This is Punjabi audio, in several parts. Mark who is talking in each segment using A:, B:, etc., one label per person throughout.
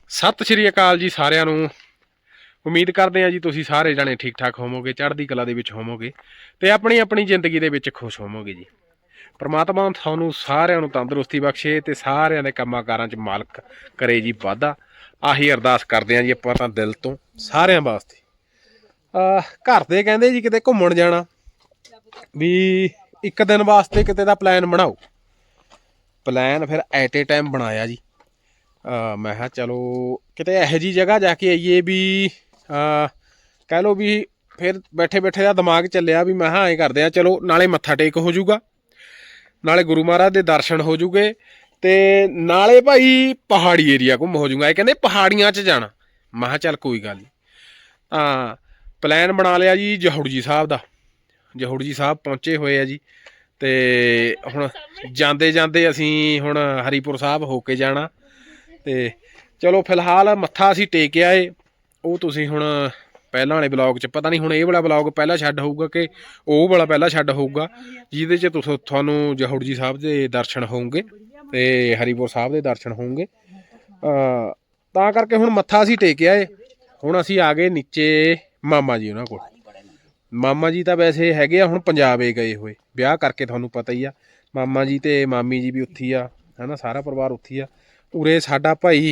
A: ਸਤਿ ਸ਼੍ਰੀ ਅਕਾਲ ਜੀ ਸਾਰਿਆਂ ਨੂੰ। ਉਮੀਦ ਕਰਦੇ ਹਾਂ ਜੀ ਤੁਸੀਂ ਸਾਰੇ ਜਣੇ ਠੀਕ ਠਾਕ ਹੋਵੋਗੇ, ਚੜ੍ਹਦੀ ਕਲਾ ਦੇ ਵਿੱਚ ਹੋਵੋਗੇ ਤੇ ਆਪਣੀ ਆਪਣੀ ਜ਼ਿੰਦਗੀ ਦੇ ਵਿੱਚ ਖੁਸ਼ ਹੋਵੋਗੇ ਜੀ। ਪ੍ਰਮਾਤਮਾ ਤੁਹਾਨੂੰ ਸਾਰਿਆਂ ਨੂੰ ਤੰਦਰੁਸਤੀ ਬਖਸ਼ੇ ਤੇ ਸਾਰਿਆਂ ਦੇ ਕੰਮਾਂ ਕਾਰਾਂ 'ਚ ਮਾਲਕ ਕਰੇ ਜੀ ਵਾਧਾ। ਆਹੀ ਅਰਦਾਸ ਕਰਦੇ ਹਾਂ ਜੀ ਆਪਾਂ ਤਾਂ ਦਿਲ ਤੋਂ ਸਾਰਿਆਂ ਵਾਸਤੇ। ਘਰ ਦੇ ਕਹਿੰਦੇ ਜੀ ਕਿਤੇ ਘੁੰਮਣ ਜਾਣਾ, ਵੀ ਇੱਕ ਦਿਨ ਵਾਸਤੇ ਕਿਤੇ ਦਾ ਪਲਾਨ ਬਣਾਓ। ਪਲਾਨ ਫਿਰ ਐਟ ਏ ਟਾਈਮ ਬਣਾਇਆ ਜੀ। ਮੈਂ ਕਿਹਾ ਚਲੋ ਕਿਤੇ ਇਹੋ ਜਿਹੀ ਜਗ੍ਹਾ ਜਾ ਕੇ ਆਈਏ ਵੀ ਕਹਿ ਲਓ ਵੀ ਫਿਰ ਬੈਠੇ ਬੈਠੇ ਦਾ ਦਿਮਾਗ ਚੱਲਿਆ ਵੀ ਮੈਂ ਕਿਹਾ ਐਂ ਕਰਦੇ ਹਾਂ, ਚਲੋ ਨਾਲੇ ਮੱਥਾ ਟੇਕ ਹੋ ਜਾਊਗਾ, ਨਾਲੇ ਗੁਰੂ ਮਹਾਰਾਜ ਦੇ ਦਰਸ਼ਨ ਹੋ ਜੂਗੇ ਤੇ ਨਾਲੇ ਭਾਈ ਪਹਾੜੀ ਏਰੀਆ ਘੁੰਮ ਹੋ ਜੂਗਾ। ਇਹ ਕਹਿੰਦੇ ਪਹਾੜੀਆਂ 'ਚ ਜਾਣਾ। ਮੈਂ ਕਿਹਾ ਚੱਲ ਕੋਈ ਗੱਲ ਨਹੀਂ। ਤਾਂ ਪਲਾਨ ਬਣਾ ਲਿਆ ਜੀ ਜਹੌੜ ਜੀ ਸਾਹਿਬ ਦਾ। ਜਹੌੜ ਜੀ ਸਾਹਿਬ ਪਹੁੰਚੇ ਹੋਏ ਆ ਜੀ ਤੇ ਹੁਣ ਜਾਂਦੇ ਜਾਂਦੇ ਅਸੀਂ ਹੁਣ ਹਰੀਪੁਰ ਸਾਹਿਬ ਹੋ ਕੇ ਜਾਣਾ। ਤੇ ਚਲੋ ਫਿਲਹਾਲ ਮੱਥਾ ਅਸੀਂ ਟੇਕ ਆਏ। ਉਹ ਤੁਸੀਂ ਹੁਣ ਪਹਿਲਾਂ ਵਾਲੇ ਬਲੌਗ 'ਚ ਪਤਾ ਨਹੀਂ ਹੁਣ ਇਹ ਵਾਲਾ ਬਲੌਗ ਪਹਿਲਾਂ ਛੱਡ ਹੋਊਗਾ ਕਿ ਉਹ ਵਾਲਾ ਪਹਿਲਾਂ ਛੱਡ ਹੋਊਗਾ, ਜਿਹਦੇ 'ਚ ਤੁਹਾਨੂੰ ਜਹੌੜ ਜੀ ਸਾਹਿਬ ਦੇ ਦਰਸ਼ਨ ਹੋਣਗੇ ਤੇ ਹਰੀਪੁਰ ਸਾਹਿਬ ਦੇ ਦਰਸ਼ਨ ਹੋਣਗੇ। ਤਾਂ ਕਰਕੇ ਹੁਣ ਮੱਥਾ ਅਸੀਂ ਟੇਕ ਆਏ। ਹੁਣ ਅਸੀਂ ਆ ਗਏ ਨੀਚੇ ਮਾਮਾ ਜੀ ਉਹਨਾਂ ਕੋਲ। ਮਾਮਾ ਜੀ ਤਾਂ ਵੈਸੇ ਹੈਗੇ ਆ ਹੁਣ ਪੰਜਾਬ ਗਏ ਹੋਏ ਵਿਆਹ ਕਰਕੇ, ਤੁਹਾਨੂੰ ਪਤਾ ਹੀ ਆ। ਮਾਮਾ ਜੀ ਤੇ ਮਾਮੀ ਜੀ ਵੀ ਉੱਥੇ ਆ, ਹੈ ਨਾ, ਸਾਰਾ ਪਰਿਵਾਰ ਉੱਥੇ ਆ। ਉਰੇ ਸਾਡਾ ਭਾਈ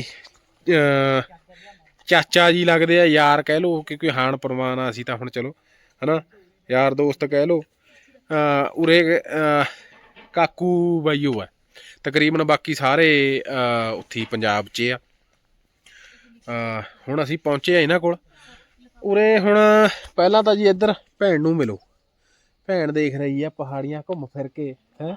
A: ਚਾਚਾ ਜੀ ਲੱਗਦੇ ਆ, ਯਾਰ ਕਹਿ ਲਓ, ਕਿਉਂਕਿ ਹਾਣ ਪ੍ਰਵਾਨ ਆ ਅਸੀਂ ਤਾਂ ਹੁਣ, ਚਲੋ ਹੈ ਨਾ, ਯਾਰ ਦੋਸਤ ਕਹਿ ਲਓ। ਉਰੇ ਕਾਕੂ ਬਾਈਓ ਆ ਤਕਰੀਬਨ, ਬਾਕੀ ਸਾਰੇ ਉੱਥੇ ਪੰਜਾਬ 'ਚ ਆ। ਹੁਣ ਅਸੀਂ ਪਹੁੰਚੇ ਆ ਇਹਨਾਂ ਕੋਲ। ਉਰੇ ਹੁਣ ਪਹਿਲਾਂ ਤਾਂ ਜੀ ਇੱਧਰ ਭੈਣ ਨੂੰ ਮਿਲੋ। ਭੈਣ ਦੇਖ ਰਹੀ ਆ ਪਹਾੜੀਆਂ ਘੁੰਮ ਫਿਰ ਕੇ, ਹੈ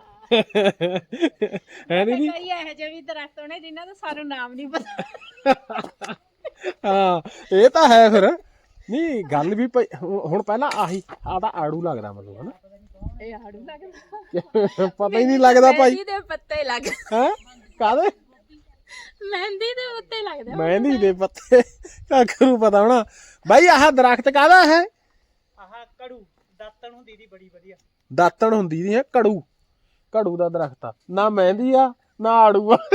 B: ਕਈ ਇਹੋ ਜਿਹੇ ਵੀ ਦਰਖਤ ਹੋਣੇ ਜਿਨ੍ਹਾਂ ਦਾ ਸਾਨੂੰ ਨਾਮ ਨਹੀਂ ਪਤਾ।
A: ਹਾਂ ਇਹ ਤਾਂ ਹੈ। ਫਿਰ ਨਹੀਂ ਗੱਲ ਵੀ ਹੁਣ ਪਹਿਲਾਂ ਆਹੀ ਆਦਾ ਆੜੂ ਲੱਗਦਾ ਮੈਨੂੰ, ਹਨਾ।
B: ਇਹ ਆੜੂ ਲੱਗਦਾ,
A: ਪਤਾ ਹੀ ਨਹੀਂ ਲੱਗਦਾ ਭਾਈ।
B: ਮਹਿੰਦੀ ਦੇ ਪੱਤੇ ਲੱਗ
A: ਹੈ ਕਾਹਦੇ?
B: ਮਹਿੰਦੀ ਦੇ ਪੱਤੇ ਲੱਗਦੇ।
A: ਮਹਿੰਦੀ ਦੇ ਪੱਤੇ ਕਾਕੂ ਨੂੰ ਪਤਾ ਹੋਣਾ। ਬਾਈ ਆਹ ਦਰਖਤ ਕਾਹਦਾ ਹੈ?
C: ਆਹ ਕੜੂ ਦਾਤਣ ਹੁੰਦੀ ਦੀ, ਬੜੀ ਵਧੀਆ
A: ਦਾਤਣ ਹੁੰਦੀ ਦੀ ਹੈ। ਕੜੂ, ਕੜੂ ਦਾ ਦਰਖਤ ਆ ਨਾ, ਮਹਿੰਦੀ ਆ ਨਾ ਆੜੂ ਆ।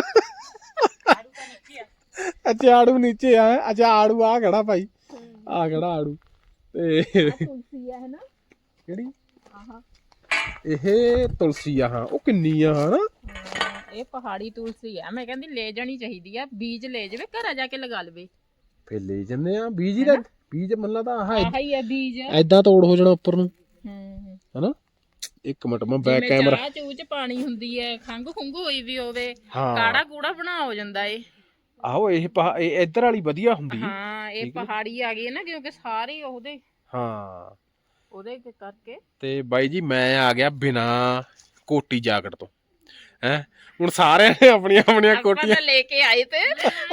A: ਅੱਛਾ ਆੜੂ ਨੀਚੇ ਆ। ਅੱਛਾ ਆੜੂ ਆ ਖੜਾ ਭਾਈ, ਆ ਖੜਾ ਆੜੂ। ਤੇ
B: ਤੁਲਸੀ ਆ, ਹੈ ਨਾ।
A: ਕਿਹੜੀ?
B: ਆਹ
A: ਇਹ ਤੁਲਸੀ ਆ। ਹਾਂ ਉਹ ਕਿੰਨੀ ਆ, ਹਨਾ।
B: ਇਹ ਪਹਾੜੀ ਤੁਲਸੀ ਆ। ਮੈਂ ਕਹਿੰਦੀ ਲੈ ਜਾਣੀ ਚਾਹੀਦੀ ਆ, ਬੀਜ ਲੈ ਜਾਵੇ, ਘਰਾਂ ਜਾ ਕੇ ਲਗਾ ਲਵੇ।
A: ਫੇਰ ਲੈ ਜੰਨੇ ਆ ਬੀਜ ਹੀ। ਦਾ ਬੀਜ ਮੰਨਲਾ ਤਾਂ ਆਹ
B: ਹੀ ਆ ਬੀਜ,
A: ਏਦਾਂ ਤੋੜ ਹੋ ਜਾਣਾ ਉੱਪਰ ਨੂੰ, ਹਨਾ। ਇੱਕ ਮਿੰਟ ਮੈਂ ਬੈਕ ਕੈਮਰਾ।
B: ਚਾਹ ਚੂਹ ਚ ਪਾਣੀ ਹੁੰਦੀ ਹੈ, ਖੰਘ ਖੁੰਘ ਹੋਈ ਵੀ ਹੋਵੇ,
A: ਹਾਂ
B: ਕਾੜਾ ਕੂੜਾ ਬਣਾ ਹੋ ਜਾਂਦਾ ਏ।
A: ਆਹੋ ਇਹ ਇੱਧਰ ਵਾਲੀ ਵਧੀਆ ਹੁੰਦੀ।
B: ਹਾਂ ਇਹ ਪਹਾੜੀ ਆ ਗਈ ਨਾ, ਕਿਉਂਕਿ ਸਾਰੇ ਉਹਦੇ,
A: ਹਾਂ
B: ਉਹਦੇ ਕਰਕੇ।
A: ਤੇ ਬਾਈ ਜੀ ਮੈਂ ਆ ਗਿਆ ਬਿਨਾ ਕੋਟੀ ਜਾਕਟ ਤੋਂ, ਹੈ। ਹੁਣ ਸਾਰਿਆਂ ਨੇ ਆਪਣੀਆਂ ਆਪਣੀਆਂ ਕੋਟੀਆਂ
B: ਲੈ ਕੇ ਆਏ ਤੇ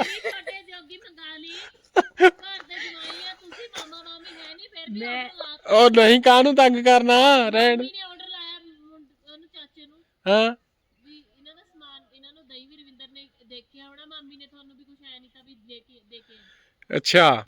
A: ਉਹ ਨਹੀਂ, ਕਾਹਨੂੰ ਤੰਗ ਕਰਨਾ, ਰਹਿਣ। ਹਾਂ ਅੱਛਾ।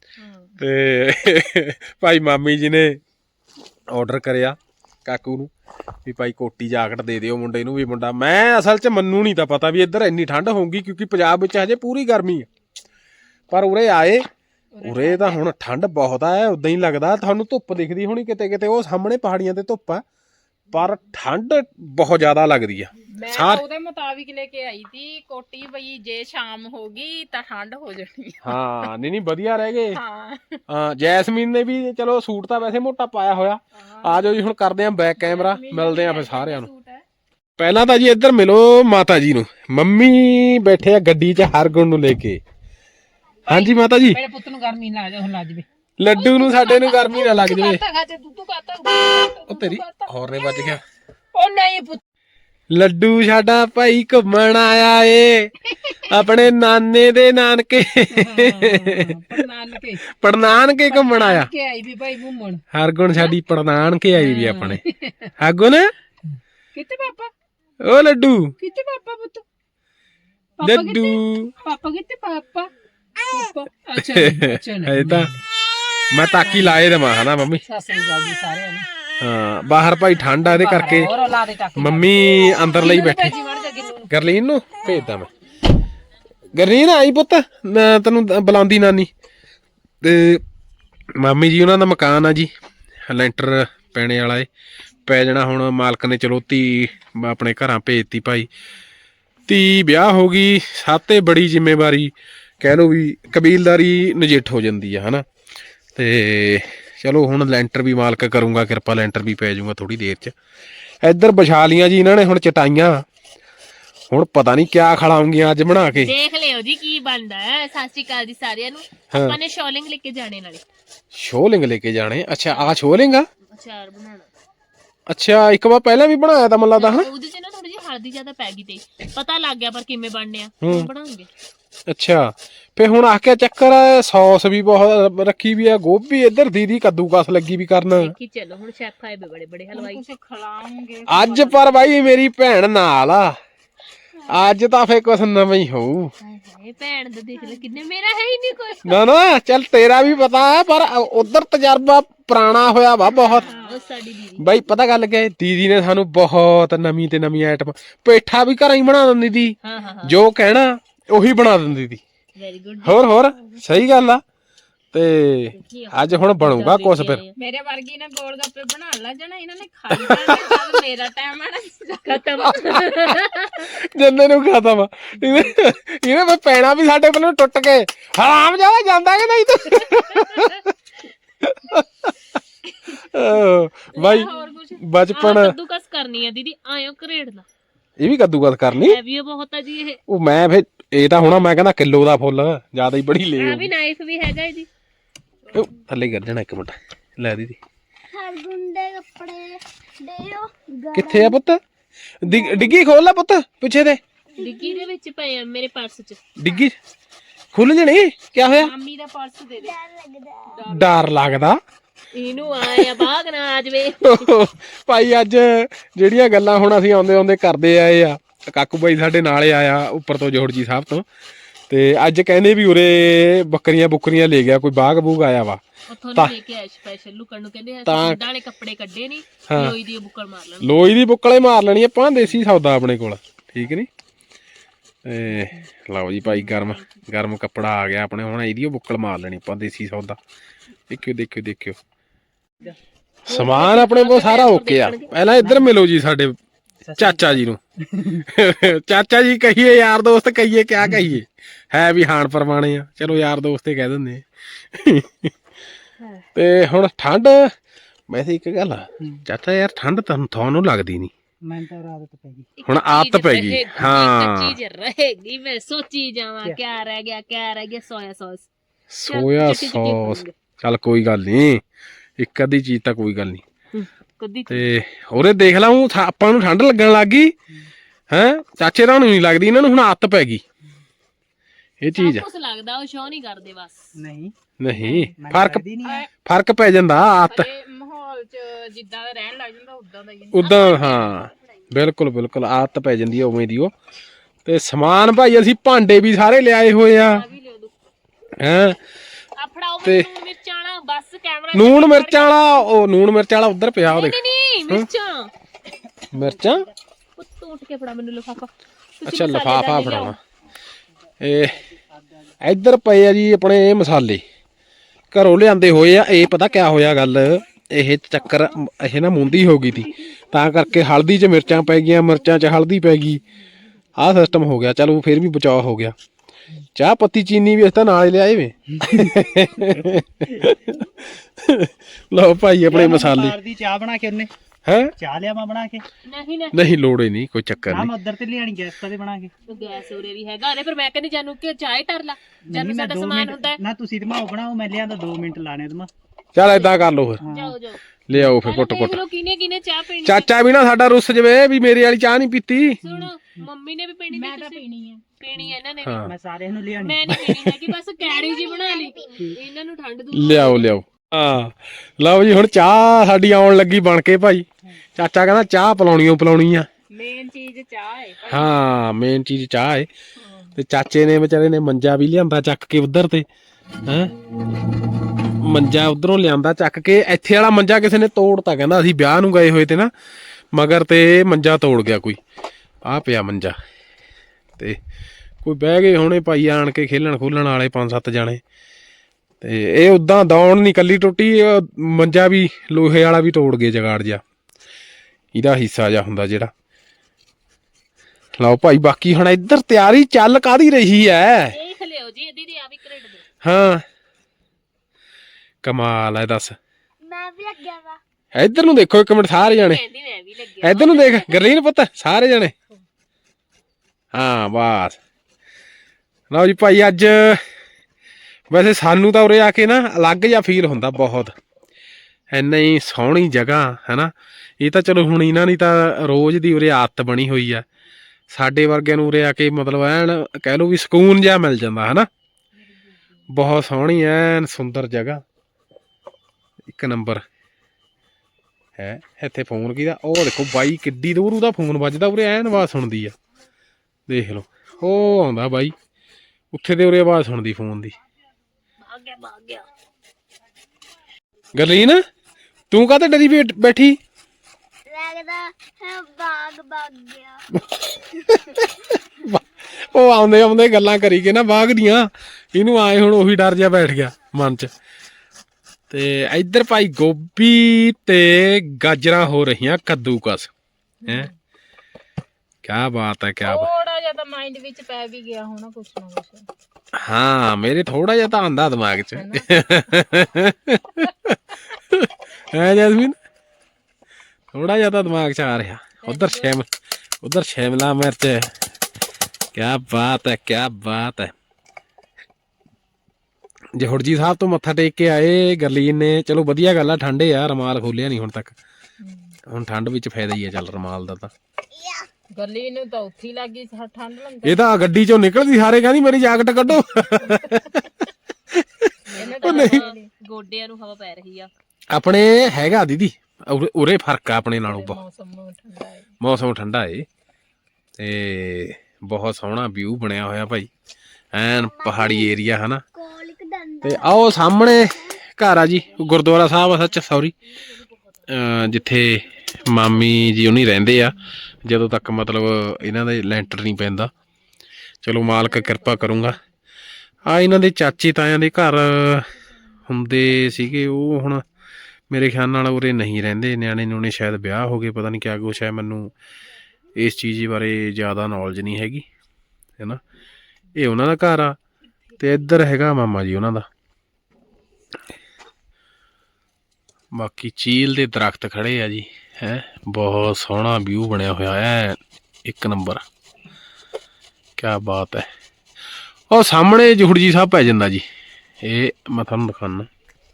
A: ਤੇ ਭਾਈ ਮਾਮੀ ਜੀ ਨੇ ਆਰਡਰ ਕਰਿਆ ਕਾਕੂ ਨੂੰ ਵੀ ਭਾਈ ਕੋਟੀ ਜਾਕਟ ਦੇ ਦਿਓ ਮੁੰਡੇ ਨੂੰ। ਵੀ ਮੁੰਡਾ, ਮੈਂ ਅਸਲ 'ਚ ਮੈਨੂੰ ਨਹੀਂ ਤਾਂ ਪਤਾ ਵੀ ਇੱਧਰ ਇੰਨੀ ਠੰਡ ਹੋਊਗੀ, ਕਿਉਂਕਿ ਪੰਜਾਬ ਵਿੱਚ ਹਜੇ ਪੂਰੀ ਗਰਮੀ ਆ। ਪਰ ਉਰੇ ਆਏ, ਉਰੇ ਤਾਂ ਹੁਣ ਠੰਡ ਬਹੁਤ ਆ। ਉਦਾਂ ਹੀ ਲੱਗਦਾ ਤੁਹਾਨੂੰ ਧੁੱਪ ਦਿਖਦੀ ਹੋਣੀ ਕਿਤੇ ਕਿਤੇ, ਉਹ ਸਾਹਮਣੇ ਪਹਾੜੀਆਂ ਤੇ ਧੁੱਪ ਆ, ਪਰ ਠੰਡ ਬਹੁਤ ਜ਼ਿਆਦਾ ਲੱਗਦੀ ਆ।
B: ਮੈਂ ਉਹਦੇ ਮੁਤਾਬਿਕ ਲੈ ਕੇ ਆਈ ਸੀ ਕੋਟੀ, ਬਈ ਜੇ ਸ਼ਾਮ ਹੋ ਗਈ ਤਾਂ ਠੰਡ ਹੋ ਜਾਣੀ।
A: ਹਾਂ ਨਹੀਂ ਵਧੀਆ ਰਹਿ ਗਏ।
B: ਹਾਂ
A: ਜੈਸਮੀਨ ਨੇ ਵੀ ਚਲੋ ਸੂਟ ਤਾਂ ਵੈਸੇ ਮੋਟਾ ਪਾਇਆ ਹੋਇਆ। ਆ ਜਾਓ ਜੀ ਹੁਣ ਕਰਦੇ ਆਂ ਬੈਕ ਕੈਮਰਾ, ਮਿਲਦੇ ਆਂ ਫਿਰ ਸਾਰਿਆਂ ਨੂੰ। ਪਹਿਲਾਂ ਤਾਂ ਜੀ ਇੱਧਰ ਮਿਲੋ ਮਾਤਾ ਜੀ ਨੂੰ। ਮੰਮੀ ਬੈਠੇ ਆ ਗੱਡੀ 'ਚ ਹਰਗੁਣ ਨੂੰ ਲੈ ਕੇ। ਹਾਂਜੀ ਮਾਤਾ ਜੀ।
B: ਮੇਰੇ ਪੁੱਤ ਨੂੰ ਗਰਮੀ ਨਾ ਲੱਗ ਜਾਵੇ,
A: ਲੱਡੂ ਨੂੰ ਸਾਡੇ ਨੂੰ ਗਰਮੀ ਨਾ ਲੱਗ ਜਾਵੇ।
B: ਉਹ
A: ਤੇਰੀ ਹੋਰ ਨੇ ਵੱਜ ਗਿਆ।
B: ਉਹ ਨਹੀਂ ਪੁੱਤ,
A: ਲੱਡੂ ਸਾਡਾ ਭਾਈ ਘੁੰਮਣ ਆਇਆ ਏ ਆਪਣੇ ਨਾਨੇ ਦੇ ਨਾਨਕੇ। ਪੜਨਾਨਕੇ ਘੁੰਮਣ ਆਇਆ। ਹਰਗੁਣ ਸਾਡੀ ਪੜਨਾਨਕੇ ਆਈ ਵੀ ਆਪਣੇ। ਹਰਗੁਣ
B: ਕਿੱਥੇ ਪਾਪਾ?
A: ਉਹ ਲੱਡੂ
B: ਕਿੱਥੇ ਪਾਪਾ? ਪੁੱਤ
A: ਲੱਡੂ
B: ਪਾਪਾ ਕਿੱਥੇ? ਪਾਪਾ ਅੱਛਾ
A: ਇਹ ਤਾਂ ਮੈਂ ਤਾਕੀ ਲਾਏ ਦੇਵਾਂ, ਹਨਾ ਮੰਮੀ।
B: ਸਤਿ ਸ੍ਰੀ ਅਕਾਲ ਜੀ ਸਾਰਿਆਂ ਨੂੰ।
A: ਹਾਂ ਬਾਹਰ ਭਾਈ ਠੰਡ ਆ, ਇਹਦੇ ਕਰਕੇ ਮੰਮੀ ਅੰਦਰ ਲਈ ਬੈਠੀ। ਗਰਲੀਨ ਨੂੰ ਭੇਜਦਾ ਮੈਂ। ਗਰਲੀਨ ਆਈ ਪੁੱਤ ਤੈਨੂੰ ਬੁਲਾਉਂਦੀ ਨਾਨੀ। ਤੇ ਮਾਮੀ ਜੀ ਉਹਨਾਂ ਦਾ ਮਕਾਨ ਆ ਜੀ, ਲੈਂਟਰ ਪੈਣੇ ਵਾਲਾ ਏ, ਪੈ ਜਾਣਾ ਹੁਣ। ਮਾਲਕ ਨੇ ਚਲੋਤੀ ਆਪਣੇ ਘਰਾਂ ਭੇਜਤੀ ਭਾਈ। ਤੀ ਵਿਆਹ ਹੋ ਗਈ, ਸਭ ਤੋਂ ਬੜੀ ਜ਼ਿੰਮੇਵਾਰੀ ਕਹਿ ਲਓ ਵੀ ਕਬੀਲਦਾਰੀ ਨਜਿੱਠ ਹੋ ਜਾਂਦੀ ਆ ਹਨਾ। ਤੇ ਚਲੋ ਹੁਣ ਲੈਂਟਰ ਵੀ ਮਾਲਕ ਕਰੂੰਗਾ ਕਿਰਪਾ, ਲੈਂਟਰ ਵੀ ਪੈ ਜਾਊਗਾ ਥੋੜੀ ਦੇਰ 'ਚ। ਇੱਧਰ ਵਿਛਾ ਲੀਆਂ ਜੀ ਇਹਨਾਂ ਨੇ ਹੁਣ ਚਟਾਈਆਂ। ਹੁਣ ਪਤਾ ਨਹੀਂ ਕਿਆ ਖਿਲਾਉਂਗੀਆਂ ਅੱਜ ਬਣਾ ਕੇ।
B: ਦੇਖ ਲਿਓ ਜੀ ਕੀ ਬਣਦਾ ਹੈ। ਸਤਿ ਸ਼੍ਰੀ ਅਕਾਲ ਜੀ ਸਾਰਿਆਂ ਨੂੰ। ਆਪਾਂ ਨੇ ਸ਼ੋਲਿੰਗ ਲੈ ਕੇ ਜਾਣੇ ਨਾਲੇ
A: ਸ਼ੋਲਿੰਗ ਲੈ ਕੇ ਜਾਣੇ। ਅੱਛਾ ਆ ਸ਼ੋਲਿੰਗ ਆ।
B: ਅਚਾਰ ਬਣਾਉਣਾ।
A: ਅੱਛਾ ਇੱਕ ਵਾਰ ਪਹਿਲਾਂ ਵੀ ਬਣਾਇਆ ਤਾਂ ਮੈਨੂੰ ਲੱਗਦਾ ਹਨਾ।
B: ਉਹਦੇ 'ਚ ਨਾ ਥੋੜੀ ਜਿਹੀ ਹਲਦੀ ਜ਼ਿਆਦਾ ਪੈ ਗਈ ਤੇ ਪਤਾ ਲੱਗ ਗਿਆ, ਪਰ ਕਿਵੇਂ ਬਣਨੇ ਆ ਬਣਾਉਂਗੇ।
A: ਅੱਛਾ ਫੇ ਹੁਣ ਆ ਕੇ ਚੱਕਰ ਸੌਸ ਵੀ ਬਹੁਤ ਰੱਖੀ ਵੀ ਆ, ਗੋਭੀ ਇੱਧਰ ਦੀਦੀ ਕੱਦੂਕਸ ਲੱਗੀ ਵੀ ਕਰਨ।
B: ਦੇਖੀ ਚਲੋ ਹੁਣ ਸ਼ੈਫ ਆਏ ਬੜੇ ਬੜੇ ਹਲਵਾਈ
C: ਖਿਲਾਉਂਗੇ
A: ਅੱਜ ਪਰ ਬਾਈ ਮੇਰੀ ਭੈਣ ਨਾਲ ਆ, ਅੱਜ ਤਾਂ ਫੇ ਕੁਛ ਨਵਾਂ ਹੀ ਹੋਊ।
B: ਹਾਏ ਭੈਣ ਦਾ ਦੇਖ ਲੈ ਕਿੰਨੇ, ਮੇਰਾ ਹੈ ਹੀ ਨਹੀਂ ਕੋਈ।
A: ਨਾ ਚੱਲ ਤੇਰਾ ਵੀ ਪਤਾ ਹੈ, ਪਰ ਉਧਰ ਤਜਰਬਾ ਪੁਰਾਣਾ ਹੋਇਆ ਵਾ ਬਹੁਤ।
B: ਉਹ ਸਾਡੀ ਦੀਦੀ
A: ਬਾਈ ਪਤਾ ਗੱਲ ਕੀ, ਦੀਦੀ ਨੇ ਸਾਨੂੰ ਬਹੁਤ ਨਵੀਂ ਤੇ ਨਵੀਂ ਆਈਟਮ, ਪੇਠਾ ਵੀ ਘਰਾਂ ਹੀ ਬਣਾ ਦਿੰਦੀ ਦੀ,
B: ਹਾਂ
A: ਜੋ ਕਹਿਣਾ ਉਹੀ ਬਣਾ ਦਿੰਦੀ ਦੀ।
B: Very good.
A: ਹੋਰ ਸਹੀ ਗੱਲ ਆ। ਤੇ ਅੱਜ ਹੁਣ ਬਣੂਗਾ ਕੁਛ ਫਿਰ।
B: ਮੇਰੇ ਵਰਗੀ ਨਾ ਗੋਲ ਗੱਪੇ ਬਣਾ ਲਾ ਜਾਣਾ, ਇਹਨਾਂ ਨੇ ਖਾਈ ਜਾਣਾ ਜਦ ਮੇਰਾ ਟਾਈਮ ਆਣਾ ਖਤਮ।
A: ਜੰਨੇ ਨੂੰ ਖਤਮ ਆ ਇਹਨੇ ਮੈਂ ਪੈਣਾ ਵੀ ਸਾਡੇ ਕੋਲੋਂ ਟੁੱਟ ਕੇ। ਹਰਾਮ ਜਾਵਾ ਜਾਂਦਾ ਕਿ ਨਹੀਂ ਤੂੰ। ਬਾਈ
B: ਹੋਰ ਕੁਝ
A: ਬਚਪਨ
B: ਕੱਦੂਕਸ ਕਰਨੀ ਆ ਦੀਦੀ, ਆਇਓ ਘਰੇੜ ਲਾ।
A: ਇਹ ਵੀ ਕੱਦੂਕਸ ਕਰਨੀ
B: ਹੈਵੀ ਬਹੁਤ ਆ ਜੀ ਇਹ।
A: ਉਹ ਮੈਂ ਫੇ ਇਹ ਤਾਂ ਹੋਣਾ, ਮੈਂ ਕਹਿੰਦਾ ਕਿਲੋ ਦਾ ਫੁੱਲ ਜਿਆਦਾ ਹੀ ਬੜੀ ਲੈ
B: ਆ ਵੀ ਨਾਈਫ ਵੀ ਹੈਗਾ ਇਹਦੀ।
A: ਥੱਲੇ ਕਰ ਜਾਣਾ ਇੱਕ ਮਿੰਟ, ਲੈ ਦੀਦੀ।
D: ਗੁੰਡੇ ਕੱਪੜੇ ਦੇਓ।
A: ਕਿੱਥੇ ਆ ਪੁੱਤ? ਡਿੱਗੀ ਖੋਲ ਲੈ ਪੁੱਤ ਪਿੱਛੇ ਦੇ।
B: ਡਿੱਗੀ ਦੇ ਵਿੱਚ ਪਏ ਆ ਮੇਰੇ ਪਰਸ 'ਚ।
A: ਡਿੱਗੀ ਖੁੱਲ ਜਣੀ? ਕਿਆ ਹੋਇਆ?
B: ਮਾਮੀ ਦਾ ਪਰਸ ਦੇ ਦੇ।
A: ਡਰ ਲੱਗਦਾ
B: ਇਹਨੂੰ ਆਇਆ ਬਾਗ ਨਾ ਆ ਜਵੇ।
A: ਭਾਈ ਅੱਜ ਜਿਹੜੀਆਂ ਗੱਲਾਂ ਹੁਣ ਅਸੀਂ ਆਉਂਦੇ ਕਰਦੇ ਆਏ ਆ, ਕਾਕੂ ਬਾਈ ਸਾਡੇ ਨਾਲ ਆਇਆ ਉੱਪਰ ਤੋਂ ਜੋੜ ਜੀ ਸਾਹਿਬ ਤੋਂ। ਤੇ ਅੱਜ ਕਹਿੰਦੇ ਵੀ ਉਰੇ ਬੱਕਰੀਆਂ ਬੁੱਕਰੀਆਂ ਲੈ ਗਿਆ ਕੋਈ, ਬਾਗ ਬੂਗ ਆਇਆ ਵਾ
B: ਉੱਥੋਂ ਲੈ ਕੇ ਆਇਆ ਸਪੈਸ਼ਲ। ਲੁਕਣ ਨੂੰ ਕਹਿੰਦੇ ਅਸੀਂ ਵਾਲੇ ਕੱਪੜੇ ਕੱਢੇ ਨਹੀਂ, ਲੋਈ ਦੀ ਬੁੱਕਲ ਮਾਰ ਲੈਣੀ।
A: ਲੋਈ ਦੀ ਬੁੱਕਲੇ ਮਾਰ ਲੈਣੀ ਆਪਾਂ, ਦੇਸੀ ਸੌਦਾ ਆਪਣੇ ਕੋਲ, ਠੀਕ ਨੀ। ਤੇ ਲਓ ਜੀ ਭਾਈ ਗਰਮ ਕੱਪੜਾ ਆ ਗਿਆ ਆਪਣੇ, ਹੁਣ ਇਹਦੀ ਬੁੱਕਲ ਮਾਰ ਲੈਣੀ ਆਪਾਂ, ਦੇਸੀ ਸੌਦਾ। ਦੇਖਿਓ ਸਮਾਨ ਆਪਣੇ ਕੋਲ ਸਾਰਾ ਓਕੇ ਆ। ਪਹਿਲਾਂ ਇੱਧਰ ਮਿਲੋ ਜੀ ਸਾਡੇ ਚਾਚਾ ਜੀ ਨੂੰ। ਚਾਚਾ ਜੀ ਕਹੀਏ ਯਾਰ ਦੋਸਤ ਕਹੀਏ, ਕਿਆ ਕਹੀਏ, ਹੈ ਵੀ ਹਾਣ ਪਰਵਾਣੇ ਆ, ਚਲੋ ਯਾਰ ਦੋਸਤ ਹੀ ਕਹਿ ਦਿੰਦੇ। ਤੇ ਹੁਣ ਠੰਡ, ਵੈਸੇ ਇੱਕ ਗੱਲ ਆ ਚਾਚਾ ਯਾਰ, ਠੰਡ ਤੁਹਾਨੂੰ ਲੱਗਦੀ ਨਹੀਂ,
C: ਮੈਨੂੰ ਤਾਂ ਆਦਤ ਪੈ ਗਈ।
A: ਹੁਣ ਆਦਤ ਪੈ ਗਈ। ਹਾਂ
B: ਚੀਜ਼ ਰਹੇਗੀ, ਮੈਂ ਸੋਚੀ ਜਾਵਾਂ ਕਿਆ ਰਹਿ ਗਿਆ ਸੋਇਆ ਸੌਸ।
A: ਚੱਲ ਕੋਈ ਗੱਲ ਨਹੀਂ, ਇੱਕ ਅੱਧੀ ਚੀਜ਼ ਤਾਂ ਕੋਈ ਗੱਲ ਨਹੀਂ।
B: ਕਦੀ
A: ਤੇ ਉਹਦੇ ਦੇਖ ਲਾ ਆਪਾਂ ਨੂੰ ਠੰਡ ਲੱਗਣ ਲੱਗ ਗਈ ਹੈ, ਚਾਚੇ ਦਾ ਨੂੰ ਨਹੀਂ ਲੱਗਦੀ, ਇਹਨਾਂ ਨੂੰ ਹੁਣ ਆਦਤ ਪੈ ਗਈ ਇਹ ਚੀਜ਼।
B: ਕੁਛ ਲੱਗਦਾ ਉਹ ਸ਼ੋ ਨਹੀਂ ਕਰਦੇ ਬਸ।
A: ਨਹੀਂ ਫਰਕ ਪੈ ਜਾਂਦਾ ਆਦਤ
B: ਮਾਹੌਲ 'ਚ, ਜਿੱਦਾਂ ਦਾ ਰਹਿਣ ਲੱਗ ਜਾਂਦਾ ਉਦਾਂ ਦਾ ਹੀ।
A: ਉਦਾਂ ਹਾਂ ਬਿਲਕੁਲ ਆਦਤ ਪੈ ਜਾਂਦੀ ਹੈ ਉਵੇਂ ਦੀ ਉਹ। ਤੇ ਸਮਾਨ ਭਾਈ ਅਸੀਂ ਭਾਂਡੇ ਵੀ ਸਾਰੇ ਲਿਆਏ ਹੋਏ ਆ ਹੈਂ। ਤੇ ਲੂਣ ਮਿਰਚਾਂ ਵਾਲਾ ਉਧਰ ਪਿਆ, ਉਹ ਦੇਖ ਮਿਰਚਾਂ।
B: ਉੱਠ ਕੇ ਫੜਾ ਮੈਨੂੰ ਲਿਫਾਫਾ।
A: ਅੱਛਾ ਲਿਫਾਫਾ ਫੜਾਉਣਾ। ਇਹ ਇੱਧਰ ਪਏ ਆ ਜੀ ਆਪਣੇ ਇਹ ਮਸਾਲੇ, ਘਰੋਂ ਲਿਆਂਦੇ ਹੋਏ ਆ। ਇਹ ਪਤਾ ਕਿਆ ਹੋਇਆ ਗੱਲ, ਇਹ ਚੱਕਰ ਇਹ ਨਾ ਮੁੰਦੀ ਹੋ ਗਈ ਤੀ, ਤਾਂ ਕਰਕੇ ਹਲਦੀ 'ਚ ਮਿਰਚਾਂ ਪੈ ਗਈਆਂ, ਮਿਰਚਾਂ 'ਚ ਹਲਦੀ ਪੈ ਗਈ, ਆਹ ਸਿਸਟਮ ਹੋ ਗਿਆ। ਚਲੋ ਫਿਰ ਵੀ ਬਚਾਅ ਹੋ ਗਿਆ। ਚਾਹ ਪੱਤੀ ਚੀਨੀ ਵੀ ਇਸ ਤਾਂ ਨਾਲ ਹੀ ਲਿਆਏ ਵੇ। ਲਓ ਭਾਈ ਆਪਣੇ ਮਸਾਲੇ।
C: ਚਾਹ ਬਣਾ ਕੇ ਉਹਨੇ
A: ਹੈ
C: ਚਾਹ ਲਿਆ ਮੈਂ ਬਣਾ ਕੇ।
A: ਨਹੀਂ ਲੋੜ ਹੀ ਨਹੀਂ, ਕੋਈ ਚੱਕਰ
C: ਮੈਂ
A: ਨਹੀਂ।
C: ਉਧਰ ਤੇ ਲਿਆਣੀ ਗੈਸ ਤੇ ਬਣਾ ਕੇ।
B: ਗੈਸ ਉਰੇ ਵੀ ਹੈਗਾ ਅਰੇ, ਪਰ ਮੈਂ ਕਹਿੰਦੀ ਜਾਨੂੰ ਕਿ ਚਾਹ ਟਰ ਲਾ, ਜਾਨੂੰ ਸਾਡਾ ਸਮਾਨ ਹੁੰਦਾ
C: ਨਾ। ਤੁਸੀਂ ਤੇ ਮਾਓ ਬਣਾਓ, ਮੈਂ ਲਿਆਂਦਾ 2 ਮਿੰਟ ਲਾਣੇ ਤੇ।
A: ਚੱਲ ਏਦਾਂ ਕਰ ਲਓ ਫਿਰ,
B: ਜਾਓ
A: ਲਿਆਓ ਫਿਰ ਕੁੱਟ
B: ਕਿਨੇ ਚਾਹ ਪੀਣੀ।
A: ਚਾਚਾ ਵੀ ਨਾ ਸਾਡਾ ਰੁੱਸ ਜਵੇ ਵੀ ਮੇਰੇ ਵਾਲੀ ਚਾਹ ਨਹੀਂ ਪੀਤੀ।
B: ਸੁਣੋ ਮੰਮੀ ਨੇ ਵੀ ਪੀਣੀ, ਮੈਂ ਤਾਂ ਪੀਣੀ ਹੈ ਇਹਨਾਂ ਨੇ ਵੀ।
C: ਮੈਂ ਸਾਰਿਆਂ ਨੂੰ ਲਿਆਣੀ,
B: ਮੈਂ ਨਹੀਂ ਪੀਣੀ ਹੈਗੀ, ਬਸ ਕੈੜੀ ਜੀ ਬਣਾ ਲਈ, ਇਹਨਾਂ ਨੂੰ ਠੰਡ ਦੂ।
A: ਲਿਆਓ ਹਾਂ ਲਓ ਜੀ ਹੁਣ ਚਾਹ ਸਾਡੀ ਆਉਣ ਲੱਗੀ ਬਣ ਕੇ ਭਾਈ। ਚਾਚਾ ਕਹਿੰਦਾ ਚਾਹ ਪਿਲਾਉਣੀ ਆ,
B: ਮੇਨ ਚੀਜ਼ ਚਾਹ ਹੈ।
A: ਹਾਂ ਮੇਨ ਚੀਜ਼ ਚਾਹ ਹੈ। ਤੇ ਚਾਚੇ ਨੇ ਵਿਚਾਰੇ ਨੇ ਮੰਜਾ ਵੀ ਲਿਆਂਦਾ ਚੱਕ ਕੇ ਉਧਰ ਤੇ, ਹੈਂ ਮੰਜਾ ਉਧਰੋਂ ਲਿਆਂਦਾ ਚੱਕ ਕੇ। ਇੱਥੇ ਵਾਲਾ ਮੰਜਾ ਕਿਸੇ ਨੇ ਤੋੜਤਾ, ਕਹਿੰਦਾ ਅਸੀਂ ਵਿਆਹ ਨੂੰ ਗਏ ਹੋਏ ਤੇ ਨਾ ਮਗਰ ਤੇ ਮੰਜਾ ਤੋੜ ਗਿਆ ਕੋਈ, ਆਹ ਪਿਆ ਮੰਜਾ। ਤੇ ਕੋਈ ਬਹਿ ਗਏ ਹੋਣੇ ਭਾਈ ਆਣ ਕੇ ਖੇਲਣ ਖੂਲਣ ਵਾਲੇ 5-7 ਜਾਣੇ। ਤੇ ਇਹ ਉਦਾਂ ਦੌਣ ਨਹੀਂ ਕੱਲੀ ਟੁੱਟੀ, ਮੰਜਾ ਵੀ ਲੋਹੇ ਵਾਲਾ ਵੀ ਤੋੜ ਗਏ ਜਗਾੜ ਜਿਹਾ, ਇਹਦਾ ਹਿੱਸਾ ਜਿਹਾ ਹੁੰਦਾ ਜਿਹੜਾ। ਲਓ ਭਾਈ ਬਾਕੀ ਹੁਣ ਇੱਧਰ ਤਿਆਰੀ ਚੱਲ ਕਾਹਦੀ ਰਹੀ ਐ।
B: ਦੇਖ ਲਿਓ ਜੀ ਦੀਦੀ ਆ ਵੀ ਕਰੇਟ ਦੇ।
A: ਹਾਂ ਕਮਾਲ ਐ ਦੱਸ।
D: ਮੈਂ ਵੀ ਲੱਗਿਆ ਵਾ।
A: ਇੱਧਰ ਨੂੰ ਦੇਖੋ ਇੱਕ ਮਿੰਟ ਸਾਰੇ ਜਾਣੇ,
B: ਕਹਿੰਦੀ ਮੈਂ ਵੀ ਲੱਗਿਆ।
A: ਇੱਧਰ ਨੂੰ ਦੇਖ ਗਰਲੀਨ ਪੁੱਤ ਸਾਰੇ ਜਾਣੇ। ਹਾਂ ਬਸ ਲਓ ਜੀ ਭਾਈ ਅੱਜ ਵੈਸੇ ਸਾਨੂੰ ਤਾਂ ਉਰੇ ਆ ਕੇ ਨਾ ਅਲੱਗ ਜਿਹਾ ਫੀਲ ਹੁੰਦਾ ਬਹੁਤ, ਇੰਨਾ ਹੀ ਸੋਹਣੀ ਜਗ੍ਹਾ ਹੈ ਨਾ। ਇਹ ਤਾਂ ਚਲੋ ਹੁਣ ਇਹਨਾਂ ਦੀ ਤਾਂ ਰੋਜ਼ ਦੀ ਉਰੇ ਆਦਤ ਬਣੀ ਹੋਈ ਆ, ਸਾਡੇ ਵਰਗਿਆਂ ਨੂੰ ਉਰੇ ਆ ਕੇ ਮਤਲਬ ਐਨ ਕਹਿ ਲਓ ਵੀ ਸਕੂਨ ਜਿਹਾ ਮਿਲ ਜਾਂਦਾ ਹੈ ਨਾ। ਬਹੁਤ ਸੋਹਣੀ ਐਨ ਸੁੰਦਰ ਜਗ੍ਹਾ, ਇੱਕ ਨੰਬਰ ਹੈ। ਇੱਥੇ ਫੋਨ ਕਿਹਦਾ, ਉਹ ਦੇਖੋ ਬਾਈ ਕਿੱਡੀ ਦੂਰ ਉਹਦਾ ਫੋਨ ਵੱਜਦਾ, ਉਰੇ ਐਨ ਆਵਾਜ਼ ਸੁਣਦੀ ਆ, ਦੇਖ ਲਓ ਉਹ ਆਉਂਦਾ ਬਾਈ ਉੱਥੇ ਤੇ ਉਰੇ ਆਵਾਜ਼ ਸੁਣਦੀ ਫੋਨ ਦੀ।
B: ਭਾਗ ਗਿਆ
A: ਗਰਲੀਨ ਤੂੰ ਕਾਹਤੇ ਡਰੀ ਬੈਠੀ?
D: ਲੱਗਦਾ ਹੈ ਬਾਗ ਗਿਆ।
A: ਉਹ ਆਉਂਦੇ ਆਉਂਦੇ ਗੱਲਾਂ ਕਰੀ ਕੇ ਨਾ ਬਾਗ ਦੀਆਂ, ਇਹਨੂੰ ਆਏ ਹੁਣ ਉਹੀ ਡਰ ਜਿਹਾ ਬੈਠ ਗਿਆ ਮਨ 'ਚ। ਤੇ ਇੱਧਰ ਭਾਈ ਗੋਭੀ ਤੇ ਗਾਜਰਾਂ ਹੋ ਰਹੀਆਂ ਕੱਦੂਕਸ ਹੈ। ਕਿਆ ਬਾਤ ਹੈ, ਕਿਆ ਬਾਤ।
B: ਥੋੜਾ ਜਿਹਾ ਤਾਂ ਮਾਈਂਡ ਵਿੱਚ ਪੈ ਵੀ ਗਿਆ ਹੋਣਾ ਕੁਛ ਨਾ ਕੁਛ।
A: ਹਾਂ ਮੇਰੇ ਥੋੜਾ ਜਿਹਾ ਤਾਂ ਆਂਦਾ ਦਿਮਾਗ 'ਚ ਹੈ ਜੈਸਮੀਨ, ਥੋੜਾ ਜਿਹਾ ਤਾਂ ਦਿਮਾਗ 'ਚ ਆ ਰਿਹਾ। ਉਧਰ ਸ਼ਿਮਲਾ ਮਿਰਚ, ਕਿਆ ਬਾਤ ਹੈ, ਕਿਆ ਬਾਤ ਹੈ। ਜਹੋੜਜੀ ਸਾਹਿਬ ਤੋਂ ਮੱਥਾ ਟੇਕ ਕੇ ਆਏ ਗਰਲੀਨ ਨੇ, ਚਲੋ ਵਧੀਆ ਗੱਲ ਆ। ਠੰਡੇ ਆ, ਰਮਾਲ ਖੋਲਿਆ ਨਹੀਂ ਹੁਣ ਤੱਕ, ਹੁਣ ਠੰਡ ਵਿੱਚ ਫਾਇਦਾ ਹੀ ਆ ਚੱਲ ਰਮਾਲ ਦਾ ਤਾਂ।
B: ਗਰਲੀਨ ਨੂੰ ਤਾਂ ਉੱਥੇ ਹੀ ਲੱਗ ਗਈ ਠੰਡ ਲੰਘ।
A: ਇਹ ਤਾਂ ਗੱਡੀ ਚੋਂ ਨਿਕਲਦੀ ਸਾਰੇ ਕਹਿੰਦੀ ਮੇਰੀ ਜੈਕਟ ਕੱਢੋ।
B: ਉਹ ਨਹੀਂ ਗੋਡਿਆਂ ਨੂੰ ਹਵਾ ਪੈ ਰਹੀ ਆ।
A: ਆਪਣੇ ਹੈਗਾ ਦੀਦੀ ਉਰੇ ਫਰਕ ਆ ਆਪਣੇ ਨਾਲੋਂ ਬਹੁਤ,
B: ਠੰਡਾ ਹੈ,
A: ਮੌਸਮ ਠੰਡਾ ਏ ਤੇ ਬਹੁਤ ਸੋਹਣਾ ਵਿਊ ਬਣਿਆ ਹੋਇਆ ਭਾਈ, ਐਨ ਪਹਾੜੀ ਏਰੀਆ ਹੈ ਨਾ। ਤੇ ਆਓ ਸਾਹਮਣੇ ਘਰ ਆ ਜੀ, ਗੁਰਦੁਆਰਾ ਸਾਹਿਬ ਆ ਸੱਚ, ਸੌਰੀ, ਜਿੱਥੇ ਮਾਮੀ ਜੀ ਉਹਨੀ ਰਹਿੰਦੇ ਆ ਜਦੋਂ ਤੱਕ ਮਤਲਬ ਇਹਨਾਂ ਦੇ ਲੈਂਟਰ ਨਹੀਂ ਪੈਂਦਾ। ਚਲੋ ਮਾਲਕ ਕਿਰਪਾ ਕਰੂੰਗਾ। ਆ ਇਹਨਾਂ ਦੇ ਚਾਚੇ ਤਾਇਆਂ ਦੇ ਘਰ ਹੁੰਦੇ ਸੀਗੇ, ਉਹ ਹੁਣ ਮੇਰੇ ਖਿਆਲ ਨਾਲ ਉਰੇ ਨਹੀਂ ਰਹਿੰਦੇ, ਨਿਆਣੇ ਨੂਣੇ ਸ਼ਾਇਦ ਵਿਆਹ ਹੋ ਗਏ, ਪਤਾ ਨਹੀਂ ਕਿਆ ਕੁਛ ਹੈ, ਮੈਨੂੰ ਇਸ ਚੀਜ਼ ਬਾਰੇ ਜ਼ਿਆਦਾ ਨੌਲੇਜ ਨਹੀਂ ਹੈਗੀ ਹੈ ਨਾ। ਇਹ ਉਹਨਾਂ ਦਾ ਘਰ ਆ ਤੇ ਇੱਧਰ ਹੈਗਾ ਮਾਮਾ ਜੀ ਉਹਨਾਂ ਦਾ। ਬਾਕੀ ਚੀਲ ਦੇ ਦਰਖਤ ਖੜੇ ਆ ਜੀ ਹੈ, ਬਹੁਤ ਸੋਹਣਾ ਵਿਊ ਬਣਿਆ ਹੋਇਆ ਹੈ, ਇੱਕ ਨੰਬਰ, ਕਿਆ ਬਾਤ ਹੈ। ਉਹ ਸਾਹਮਣੇ ਜੁਹੜਜੀ ਸਾਹਿਬ ਪੈ ਜਾਂਦਾ ਜੀ, ਇਹ ਮੈਂ ਤੁਹਾਨੂੰ ਦਿਖਾਉਣਾ।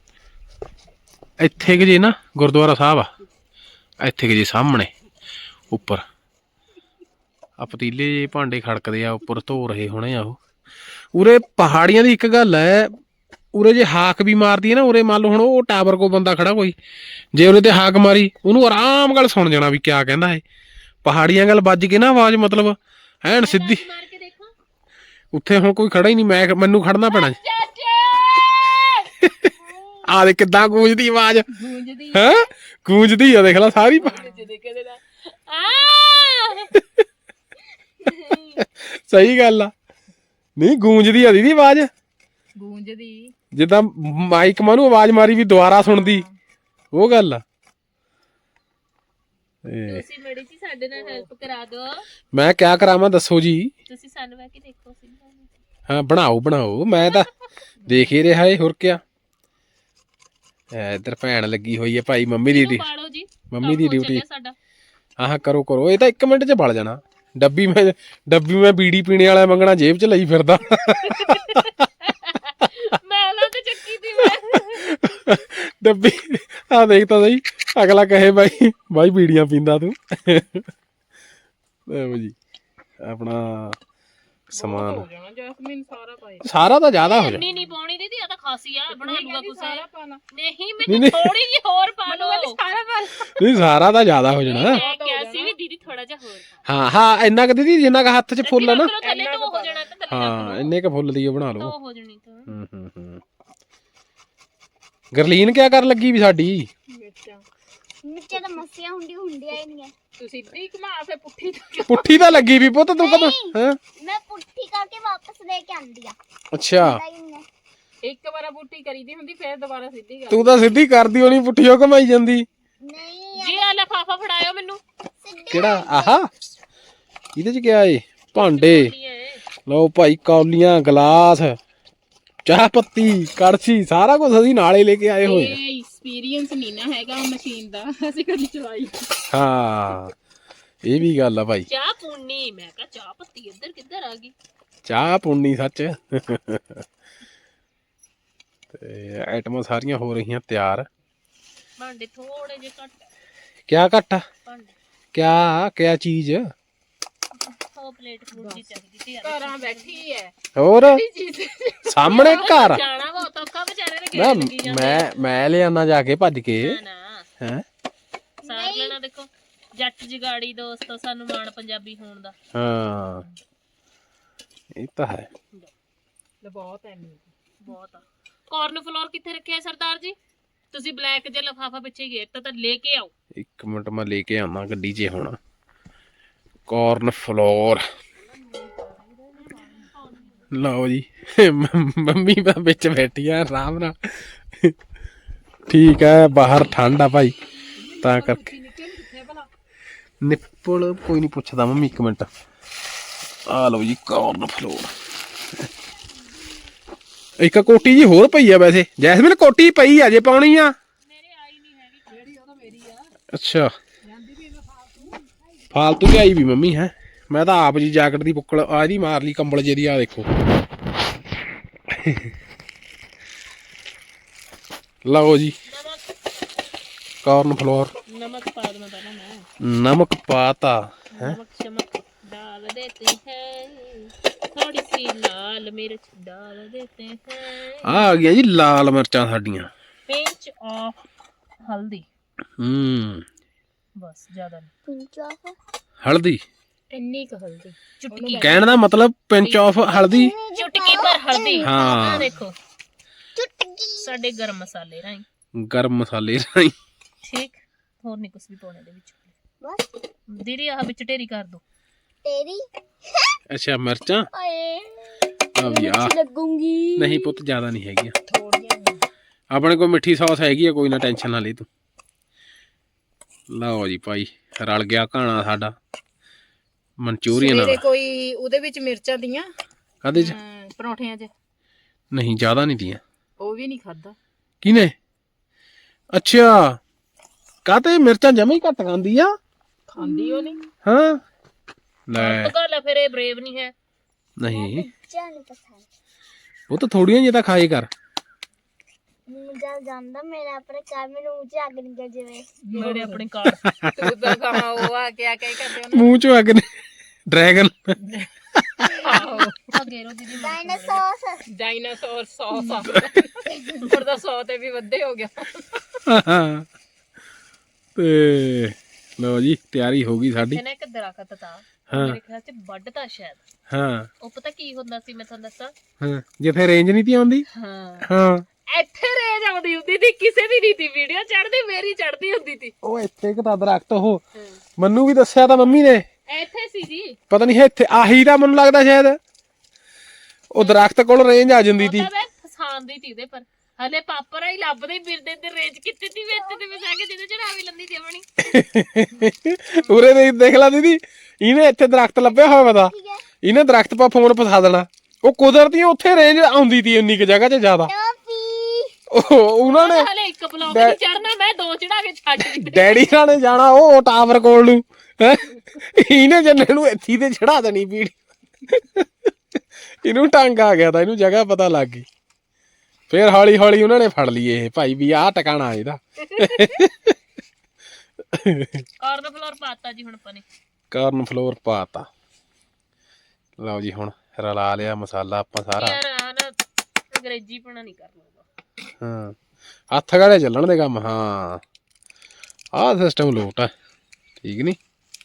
A: ਇੱਥੇ ਕਿ ਜੀ ਨਾ ਗੁਰਦੁਆਰਾ ਸਾਹਿਬ ਆ, ਇੱਥੇ ਕਿ ਜੀ ਸਾਹਮਣੇ ਉੱਪਰ ਆ ਪਤੀਲੇ ਜੇ ਭਾਂਡੇ ਖੜਕਦੇ ਆ, ਉੱਪਰ ਧੋ ਰਹੇ ਹੋਣੇ ਆ ਉਹ। ਉਰੇ ਪਹਾੜੀਆਂ ਦੀ ਇੱਕ ਗੱਲ ਹੈ, ਉਰੇ ਜੇ ਹਾਕ ਵੀ ਮਾਰਦੀ ਹੈ ਨਾ, ਉਰੇ ਮੰਨ ਲਓ ਹੁਣ ਉਹ ਟਾਵਰ ਕੋ ਬੰਦਾ ਖੜਾ ਕੋਈ, ਜੇ ਉਰੇ ਤੇ ਹਾਕ ਮਾਰੀ ਉਹਨੂੰ ਆਰਾਮ ਨਾਲ ਸੁਣ ਜਾਣਾ ਵੀ ਕਿਆ ਕਹਿੰਦਾ ਹੈ। ਪਹਾੜੀਆਂ ਗੱਲ ਵੱਜ ਕੇ ਨਾ ਆਵਾਜ਼ ਮਤਲਬ ਐਨ ਸਿੱਧੀ। ਉੱਥੇ ਹੁਣ ਕੋਈ ਖੜਾ ਹੀ ਨਹੀਂ, ਮੈਨੂੰ ਖੜਨਾ ਪੈਣਾ। ਆ ਦੇ ਕਿੱਦਾਂ ਗੂੰਜਦੀ ਆਵਾਜ਼, ਹੈ ਗੂੰਜਦੀ ਆ, ਦੇਖ ਲਾ ਸਾਰੀ। ਸਹੀ ਗੱਲ ਆ, ਨਹੀਂ ਗੂੰਜਦੀ ਆ ਦੀਦੀ ਆਵਾਜ਼,
B: ਗੂੰਜਦੀ
A: ਜਿੱਦਾਂ ਮਾਈਕ ਮਾਨੂੰ ਆਵਾਜ਼ ਮਾਰੀ ਵੀ ਦੁਬਾਰਾ ਸੁਣਦੀ, ਉਹ ਗੱਲ ਆ।
B: ਤੁਸੀਂ ਮੜੀ ਜੀ ਸਾਡੇ ਨਾਲ ਹੈਲਪ ਕਰਾ ਦਿਓ।
A: ਮੈਂ ਕਿਆ ਕਰਾਵਾਂ ਦੱਸੋ ਜੀ।
B: ਤੁਸੀਂ ਸਾਨੂੰ ਬਹਿ ਕੇ ਦੇਖੋ।
A: ਹਾਂ ਬਣਾਓ, ਮੈਂ ਤਾਂ ਦੇਖ ਹੀ ਰਿਹਾ ਏ, ਹੋਰ ਕਿਆ। ਇੱਧਰ ਭੈਣ ਲੱਗੀ ਹੋਈ ਹੈ ਭਾਈ, ਮੰਮੀ ਦੀ ਡਿਊਟੀ। ਹਾਂ ਕਰੋ, ਇਹ ਤਾਂ 1 ਮਿੰਟ 'ਚ ਬਲ ਜਾਣਾ। ਡੱਬੀ ਮੈਂ ਬੀੜੀ ਪੀਣੇ ਵਾਲਾ ਮੰਗਣਾ ਜੇਬ 'ਚ ਲਈ ਫਿਰਦਾ। ਡੱਬੀ ਆ ਦੇਖ ਤਾਂ ਸਹੀ, ਅਗਲਾ ਕਹੇ ਬਾਈ ਬੀੜੀਆਂ ਪੀਂਦਾ ਤੂੰ। ਜੀ ਆਪਣਾ ਸਮਾਨ ਸਾਰਾ ਤਾਂ ਜ਼ਿਆਦਾ ਹੋ ਜਾਣਾ।
B: ਨਹੀਂ ਪਾਉਣੀ ਦੀਦੀ, ਆ ਤਾਂ ਖਾਸੀ ਆ, ਬਣਾ ਲੂਗਾ ਕੁਛ। ਨਹੀਂ ਮੈਨੂੰ ਥੋੜੀ ਜਿਹੀ ਹੋਰ ਪਾ ਲਓ।
A: ਨਹੀਂ ਸਾਰਾ ਤਾਂ ਜ਼ਿਆਦਾ ਹੋ ਜਾਣਾ।
B: ਮੈਂ ਕਿਹਾ ਸੀ ਵੀ ਦੀਦੀ ਥੋੜਾ ਜਿਹਾ ਹੋਰ
A: ਹਾਂ ਇੰਨਾ ਕੁ ਦੀਦੀ ਜਿੰਨਾ ਕੁ ਹੱਥ 'ਚ ਫੁੱਲ ਆ ਨਾ।
B: ਹਾਂ
A: ਇੰਨੇ ਕੁ ਫੁੱਲ ਦੀ ਬਣਾ ਲਓ।
B: ਹੋ ਜਾਣੀ ਤਾਂ
A: ਗਰਲੀਨ ਕਿਆ ਕਰਨ ਲੱਗੀ ਵੀ ਸਾਡੀ?
D: ਮਿਰਚਾਂ ਤਾਂ ਮੱਸੀਆਂ ਹੁੰਦੀਆਂ ਹੀ ਨਹੀਂ।
B: ਤੂੰ ਸਿੱਧੀ ਘੁਮਾ ਫੇ ਪੁੱਠੀ ਤੋਂ
A: ਪੁੱਠੀ ਤਾਂ ਲੱਗੀ ਵੀ ਪੁੱਤ ਤੂੰ ਕਦੋਂ ਹਾਂ
D: ਮੈਂ ਪੁੱਠੀ ਕਰਕੇ ਵਾਪਸ ਲੈ ਕੇ ਆਂਦੀ ਆ
A: ਅੱਛਾ
B: ਇੱਕ ਵਾਰ ਪੁੱਠੀ ਕਰੀਦੀ ਹੁੰਦੀ ਫਿਰ ਦੁਬਾਰਾ ਸਿੱਧੀ ਕਰ
A: ਤੂੰ ਤਾਂ ਸਿੱਧੀ ਕਰਦੀ ਹੋਣੀ ਪੁੱਠੀਓ ਘਮਾਈ ਜਾਂਦੀ
D: ਨਹੀਂ
B: ਜੀ ਆ ਲਿਫਾਫਾ ਫੜਾਇਓ ਮੈਨੂੰ
A: ਕਿਹੜਾ ਆਹਾ ਇਹਦੇ ਚ ਕਿਆ ਏ ਭਾਂਡੇ ਲਓ ਭਾਈ ਕੌਲੀਆਂ ਗਲਾਸ ਚਾਹ ਪੱਤੀ ਕੜਛੀ ਸਾਰਾ ਕੁਝ ਅਸੀਂ ਨਾਲੇ ਲੈ ਕੇ ਆਏ ਹੋਏ ਆ
B: ਇਹ ਐਕਸਪੀਰੀਅੰਸ ਨਹੀਂ ਨਾ ਹੈਗਾ ਮਸ਼ੀਨ ਦਾ ਅਸੀਂ ਕਦੀ ਚਲਾਈ
A: ਹਾਂ ਇਹ ਵੀ ਗੱਲ ਆ ਭਾਈ
B: ਚਾਹ ਪੂਣੀ ਮੈਂ ਕਿਹਾ ਚਾਹ ਪੱਤੀ ਇੱਧਰ ਕਿੱਧਰ ਆ ਗਈ
A: ਚਾਹ ਪੁੰਨੀ ਸੱਚ ਤੇ ਆਈਟਮਾਂ ਸਾਰੀਆਂ ਹੋ ਰਹੀਆਂ ਤਿਆਰ
B: ਭਾਂਡੇ ਥੋੜੇ ਜਿਹੇ ਘੱਟ
A: ਕਿਆ ਘੱਟ ਆ
B: ਭਾਂਡੇ
A: ਕਿਆ ਚੀਜ਼
B: ਉਹ ਪਲੇਟ ਫਰੂਟ ਦੀ ਚਾਹੀਦੀ ਸੀ ਘਰਾਂ ਬੈਠੀ ਹੈ
A: ਹੋਰ ਸਾਹਮਣੇ ਘਰ
B: ਜਾਣਾ ਵਾ ਤਾਂ ਔਖਾ ਵਿਚਾਰੇ ਨੇ ਗੇਟ ਲੱਗੀ ਜਾਂਦੇ
A: ਮੈਂ ਲਿਆਣਾ ਜਾ ਕੇ ਭੱਜ ਕੇ
B: ਨਾ
A: ਹੈ
B: ਸਾਰ ਲੈਣਾ ਦੇਖੋ ਜੱਟ ਜਗਾੜੀ ਦੋਸਤੋ ਸਾਨੂੰ ਮਾਣ ਪੰਜਾਬੀ ਹੋਣ ਦਾ
A: ਹਾਂ ਇਹ ਤਾਂ ਹੈ
B: ਬਹੁਤ ਹੈ ਬਹੁਤ ਆ ਕਾਰਨ ਫਲੋਰ ਕਿੱਥੇ ਰੱਖਿਆ ਸਰਦਾਰ ਜੀ ਤੁਸੀਂ ਬਲੈਕ ਜਿਹਾ ਲਫਾਫਾ ਪਿੱਛੇ ਗੇਟ ਤਾਂ ਲੈ ਕੇ ਆਓ
A: ਇੱਕ ਮਿੰਟ ਮੈਂ ਲੈ ਕੇ ਆਉਣਾ ਗੱਡੀ 'ਚ ਹੁਣ ਕਾਰਨ ਫਲੋਰ ਲਓ ਜੀ ਮੰਮੀ ਤਾਂ ਵਿੱਚ ਬੈਠੀ ਆ ਆਰਾਮ ਨਾਲ ਠੀਕ ਹੈ ਬਾਹਰ ਠੰਡ ਆ ਭਾਈ ਤਾਂ ਕਰਕੇ ਨਿੱਪਲ ਕੋਈ ਨਹੀਂ ਪੁੱਛਦਾ ਮੰਮੀ ਇੱਕ ਮਿੰਟ ਆ ਲਓ ਜੀ ਕਾਰਨ ਫਲੋਰ ਇੱਕ ਕੋਟੀ ਜੀ ਹੋਰ ਪਈ ਆ ਵੈਸੇ ਜੈਸਮੀਨ ਕੋਟੀ ਪਈ ਆ ਜੇ ਪਾਉਣੀ ਆ
B: ਮੇਰੇ ਆਈ ਨਹੀਂ ਹੈਗੀ ਜਿਹੜੀ ਉਹ ਤਾਂ ਮੇਰੀ ਆ
A: ਅੱਛਾ ਫਾਲਤੂ ਵੀ ਆਈ ਵੀ ਮੰਮੀ ਹੈ ਮੈਂ ਤਾਂ ਆਪ ਜੀ ਜੈਕਟ ਦੀ ਬੁੱਕਲ ਆ ਇਹਦੀ ਮਾਰ ਲਈ ਕੰਬਲ ਜਿਹਦੀ ਆ ਦੇਖੋ ਲਓ ਜੀ ਕਾਰਨ ਫਲੋਰ
B: ਨਮਕ ਪਾ ਦਵਾਂ ਪਹਿਲਾਂ ਮੈਂ
A: ਨਮਕ ਪਾਤਾ
B: नमक चमक डाल देते हैं थोड़ी सी लाल मिर्च डाल देते हैं
A: ਆ ਗਿਆ ਜੀ ਲਾਲ ਮਿਰਚਾਂ ਸਾਡੀਆਂ
B: पिंच ऑफ हल्दी बस ज्यादा नहीं
D: ਪਿੰਚ ਆਫ
A: ਹਲਦੀ
B: इन्नी का हल्दी चुटकी
A: ਕਹਿਣ ਦਾ ਮਤਲਬ ਪਿੰਚ ਆਫ ਹਲਦੀ
B: चुटकी पर हल्दी
A: हाँ।
B: देखो
D: ਚੁਟਕੀ
B: साडे गरम मसाले राई
A: ਗਰਮ ਮਸਾਲੇ ਰਾਈ
B: ठीक ਹੋਰ ਨਹੀਂ ਕੁਝ ਵੀ ਪਾਉਣੇ ਦੇ ਵਿੱਚ
D: ਬਸ
B: ਦੀਦੀ ਆਹ ਵਿੱਚ ਢੇਰੀ ਕਰ ਦੋ
D: ਤੇਰੀ
A: ਅੱਛਾ ਮਿਰਚਾਂ
D: ਓਏ
A: ਆ ਵੀ ਆ
D: ਲੱਗੂਗੀ
A: ਨਹੀਂ ਪੁੱਤ ਜ਼ਿਆਦਾ ਨਹੀਂ ਹੈਗੀਆਂ
B: ਥੋੜੀਆਂ
A: ਆਪਣੇ ਕੋਲ ਮਿੱਠੀ ਸੌਸ ਹੈਗੀ ਆ ਕੋਈ ਨਾ ਟੈਨਸ਼ਨ ਨਾ ਲੈ ਤੂੰ ਲਓ ਜੀ ਭਾਈ ਰਲ ਗਿਆ ਘਾਣਾ ਸਾਡਾ ਮਨਚੂਰੀਅਨ
B: ਸਵੇਰੇ
A: ਨਾਲ
B: ਕੋਈ ਉਹਦੇ ਵਿੱਚ ਮਿਰਚਾਂ ਦੀਆਂ
A: ਕਾਹਦੇ ਚ
B: ਪਰੌਂਠਿਆਂ 'ਚ
A: ਨਹੀਂ ਜ਼ਿਆਦਾ ਨਹੀਂ ਦੀਆਂ
B: ਉਹ ਵੀ ਨਹੀਂ ਖਾਦਾ
A: ਕਿਨੇ ਅੱਛਾ ਕਾਤੇ ਮਿਰਚਾਂ ਜਮਾ ਹੀ ਘੱਟ ਖਾਂਦੀ ਆ
B: ਖਾਂਦੀ ਉਹ ਨਹੀਂ
A: ਹਾਂ ਲੈ
B: ਗੱਲ ਫਿਰ ਇਹ ਬਰੇਵ ਨਹੀਂ ਹੈ
A: ਨਹੀਂ
D: ਜਾਨ ਪਸੰਦ
A: ਉਹ ਤਾਂ ਥੋੜੀਆਂ ਜਿਹੀਆਂ ਤਾਂ ਖਾਏ ਕਰ
D: ਮੈਨੂੰ ਜਦ ਜਾਂਦਾ ਮੇਰਾ ਆਪਣੇ ਘਰ ਮੈਨੂੰ ਉੱਚੇ ਅੱਗ ਨਿਕਲ ਜਾਵੇ
B: ਮੇਰੇ ਆਪਣੇ ਕਾਰ ਤੂੰ ਤਾਂ ਕਹਾ ਉਹ ਆ ਕੇ ਕਰਦੇ ਉਹਨਾਂ
A: ਮੂੰਹ ਚੋਂ ਅੱਗ ਨੇ ਡਰੈਗਨ
B: ਆਹੋ ਗੇਰੋ ਦੀਦੀ ਡਾਇਨਾਸੌਰ ਸੌਸ ਆ ਪਰ ਦਾ 100 ਤੇ ਵੀ ਵੱਧੇ ਹੋ ਗਿਆ
A: ਤੇ ਲਓ ਜੀ ਤਿਆਰੀ ਹੋ ਗਈ ਸਾਡੀ
B: ਇਹਨੇ ਇੱਕ ਦਰਖਤ ਤਾਂ
A: ਹਾਂ
B: ਮੇਰੇ ਖਿਆਲ ਚ ਵੱਢਤਾ ਸ਼ਾਇਦ
A: ਹਾਂ
B: ਉਹ ਪਤਾ ਕੀ ਹੁੰਦਾ ਸੀ ਮੈਂ ਤੁਹਾਨੂੰ ਦੱਸਾਂ
A: ਹਾਂ ਜਿੱਥੇ ਰੇਂਜ ਨਹੀਂ ਤੀ ਆਉਂਦੀ
B: ਹਾਂ
A: ਹਾਂ
B: ਇੱਥੇ ਰੇਂਜ ਆਉਂਦੀ ਹੁੰਦੀ ਸੀ ਕਿਸੇ ਦੀ ਨਹੀਂ ਤੀ ਵੀਡੀਓ ਚੜਦੀ ਮੇਰੀ ਚੜਦੀ ਹੁੰਦੀ ਸੀ
A: ਉਹ ਇੱਥੇ ਇੱਕ ਤਾਂ ਦਰਖਤ ਉਹ ਮੈਨੂੰ ਵੀ ਦੱਸਿਆ ਤਾਂ ਮੰਮੀ ਨੇ
B: ਇੱਥੇ ਸੀ ਜੀ
A: ਪਤਾ ਨਹੀਂ ਇੱਥੇ ਆਹੀ ਤਾਂ ਮੈਨੂੰ ਲੱਗਦਾ ਸ਼ਾਇਦ ਉਹ ਦਰਖਤ ਕੋਲ ਰੇਂਜ ਆ ਜਾਂਦੀ ਤੀ
B: ਉਹ ਤਾਂ ਮੈਂ ਫਸਾਉਂਦੀ ਸੀ ਉਹਦੇ ਪਰ ਹਲੇ ਪਾਪਰ ਹੀ ਲੱਭਦੇ ਫਿਰਦੇ ਤੇ ਰੇਂਜ ਕਿੱਥੇ ਦੀ ਵਿੱਚ ਤੇ ਮੈਂ ਜਾ ਕੇ ਜਿਹਦੇ ਚੜਾਵੀ ਲੰਦੀ ਸੀ ਆਪਣੀ
A: ਉਰੇ ਦੇਖ ਲਾ ਦੀਦੀ ਇਹਨੇ ਇੱਥੇ ਦਰਖਤ ਲੱਭਿਆ ਹੋਇਆ ਪਤਾ ਇਹਨੇ ਦਰਖਤ ਪਾ ਫੋਨ ਫਸਾ ਦੇਣਾ ਉਹ ਕੁਦਰਤੀ ਉੱਥੇ ਰੇਂਜ ਆਉਂਦੀ ਤੀ ਉਨੀ ਕੁ ਜਗ੍ਹਾ 'ਚ ਜ਼ਿਆਦਾ ਉਹਨਾਂ ਨੇ
B: ਹਲੇ ਇੱਕ ਬਲੌਕ ਨਹੀਂ ਚੜਨਾ ਮੈਂ ਦੋ ਚੜਾ ਕੇ ਛੱਡ ਦਿੱਤੇ
A: ਡੈਡੀ ਨਾਲ ਨੇ ਜਾਣਾ ਉਹ ਟਾਵਰ ਕੋਲ ਨੂੰ ਹੈਂ ਇਹਨੇ ਜੰਨੇ ਨੂੰ ਇੱਥੇ ਤੇ ਚੜਾ ਦੇਣੀ ਵੀਡੀਓ ਇਹਨੂੰ ਟੰਗ ਆ ਗਿਆ ਤਾਂ ਇਹਨੂੰ ਜਗ੍ਹਾ ਪਤਾ ਲੱਗ ਗਈ ਫੇਰ ਹੌਲੀ ਹੌਲੀ ਉਹਨਾਂ ਨੇ ਫੜ ਲਈ ਇਹ ਭਾਈ ਵੀ ਆਹ ਟਿਕਾਣਾ ਇਹਦਾ
B: ਕਾਰਨ ਫਲੋਰ ਪਾਤਾ ਜੀ ਹੁਣ ਆਪਾਂ ਨੇ
A: ਕਾਰਨ ਫਲੋਰ ਪਾਤਾ ਲਓ ਜੀ ਹੁਣ ਰਲਾ ਲਿਆ ਮਸਾਲਾ ਆਪਾਂ ਸਾਰਾ
B: ਯਾਰ ਆ ਨਾ ਅੰਗਰੇਜ਼ੀ ਪਣਾ ਨਹੀਂ ਕਰਨਾ
A: ਹਾਂ ਹੱਥ ਗਾਲੇ ਚੱਲਣ ਦੇ ਕੰਮ ਹਾਂ ਆਹ ਸਿਸਟਮ ਲੋਟ ਹੈ ਠੀਕ ਨੀ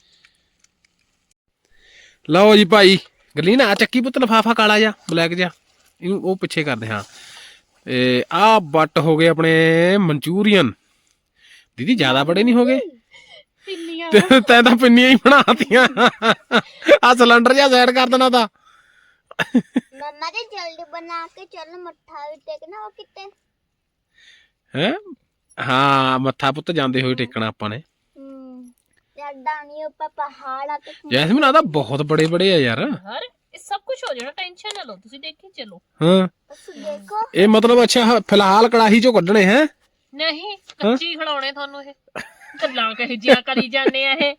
A: ਲਓ ਜੀ ਭਾਈ ਗਰਲੀਨ ਆ ਚੱਕੀ ਪੁੱਤ ਲਫਾਫਾ ਕਾਲਾ ਜਿਹਾ ਬਲੈਕ ਜਿਹਾ ਇਹਨੂੰ ਉਹ ਪਿੱਛੇ ਕਰਦੇ ਹਾਂ ਤੇ ਆਹ ਬੱਟ ਹੋ ਗਏ ਆਪਣੇ ਮਨਚੂਰੀਅਨ ਦੀਦੀ ਜ਼ਿਆਦਾ ਬੜੇ ਨਹੀਂ ਹੋ ਗਏ
B: ਪਿੰਨੀਆਂ
A: ਤੈਂ ਤਾਂ ਪਿੰਨੀਆਂ ਹੀ ਬਣਾਤੀਆਂ ਆ ਸਿਲੰਡਰ ਜਿਹਾ ਸਾਈਡ ਕਰ ਦੇਣਾ ਤਾਂ
D: मम्मा जी जल्दी बना के चलो मट्ठा भी टेकना और कितने
A: ਹੈ ਹਾਂ ਮੱਥਾ ਪੁੱਤ ਜਾਂਦੇ ਹੋਏ ਟੇਕਣਾ ਆਪਾਂ ਨੇ
D: यार डानी ऊपर पहाड़ आके
A: ਜੈਸਮੀਨ ਆ ਤਾਂ ਬਹੁਤ ਬੜੇ ਬੜੇ ਆ ਯਾਰ
B: ਹਰ ਇਹ ਸਭ ਕੁਝ ਹੋ ਜਾਣਾ ਟੈਨਸ਼ਨ ਨਾ ਲਓ ਤੁਸੀਂ ਦੇਖੀ ਚਲੋ
A: ਹਾਂ
D: देखो
A: ਇਹ ਮਤਲਬ ਅੱਛਾ ਫਿਲਹਾਲ ਕੜਾਹੀ ਚੋਂ ਕੱਢਣੇ ਹੈ
B: ਨਹੀਂ ਕੱਚੀ ਖਿਲਾਉਣੇ ਤੁਹਾਨੂੰ ਇਹ ਗੱਲਾਂ ਕਹੀ ਜਿਆ ਕਰੀ ਜਾਂਦੇ ਆ ਇਹ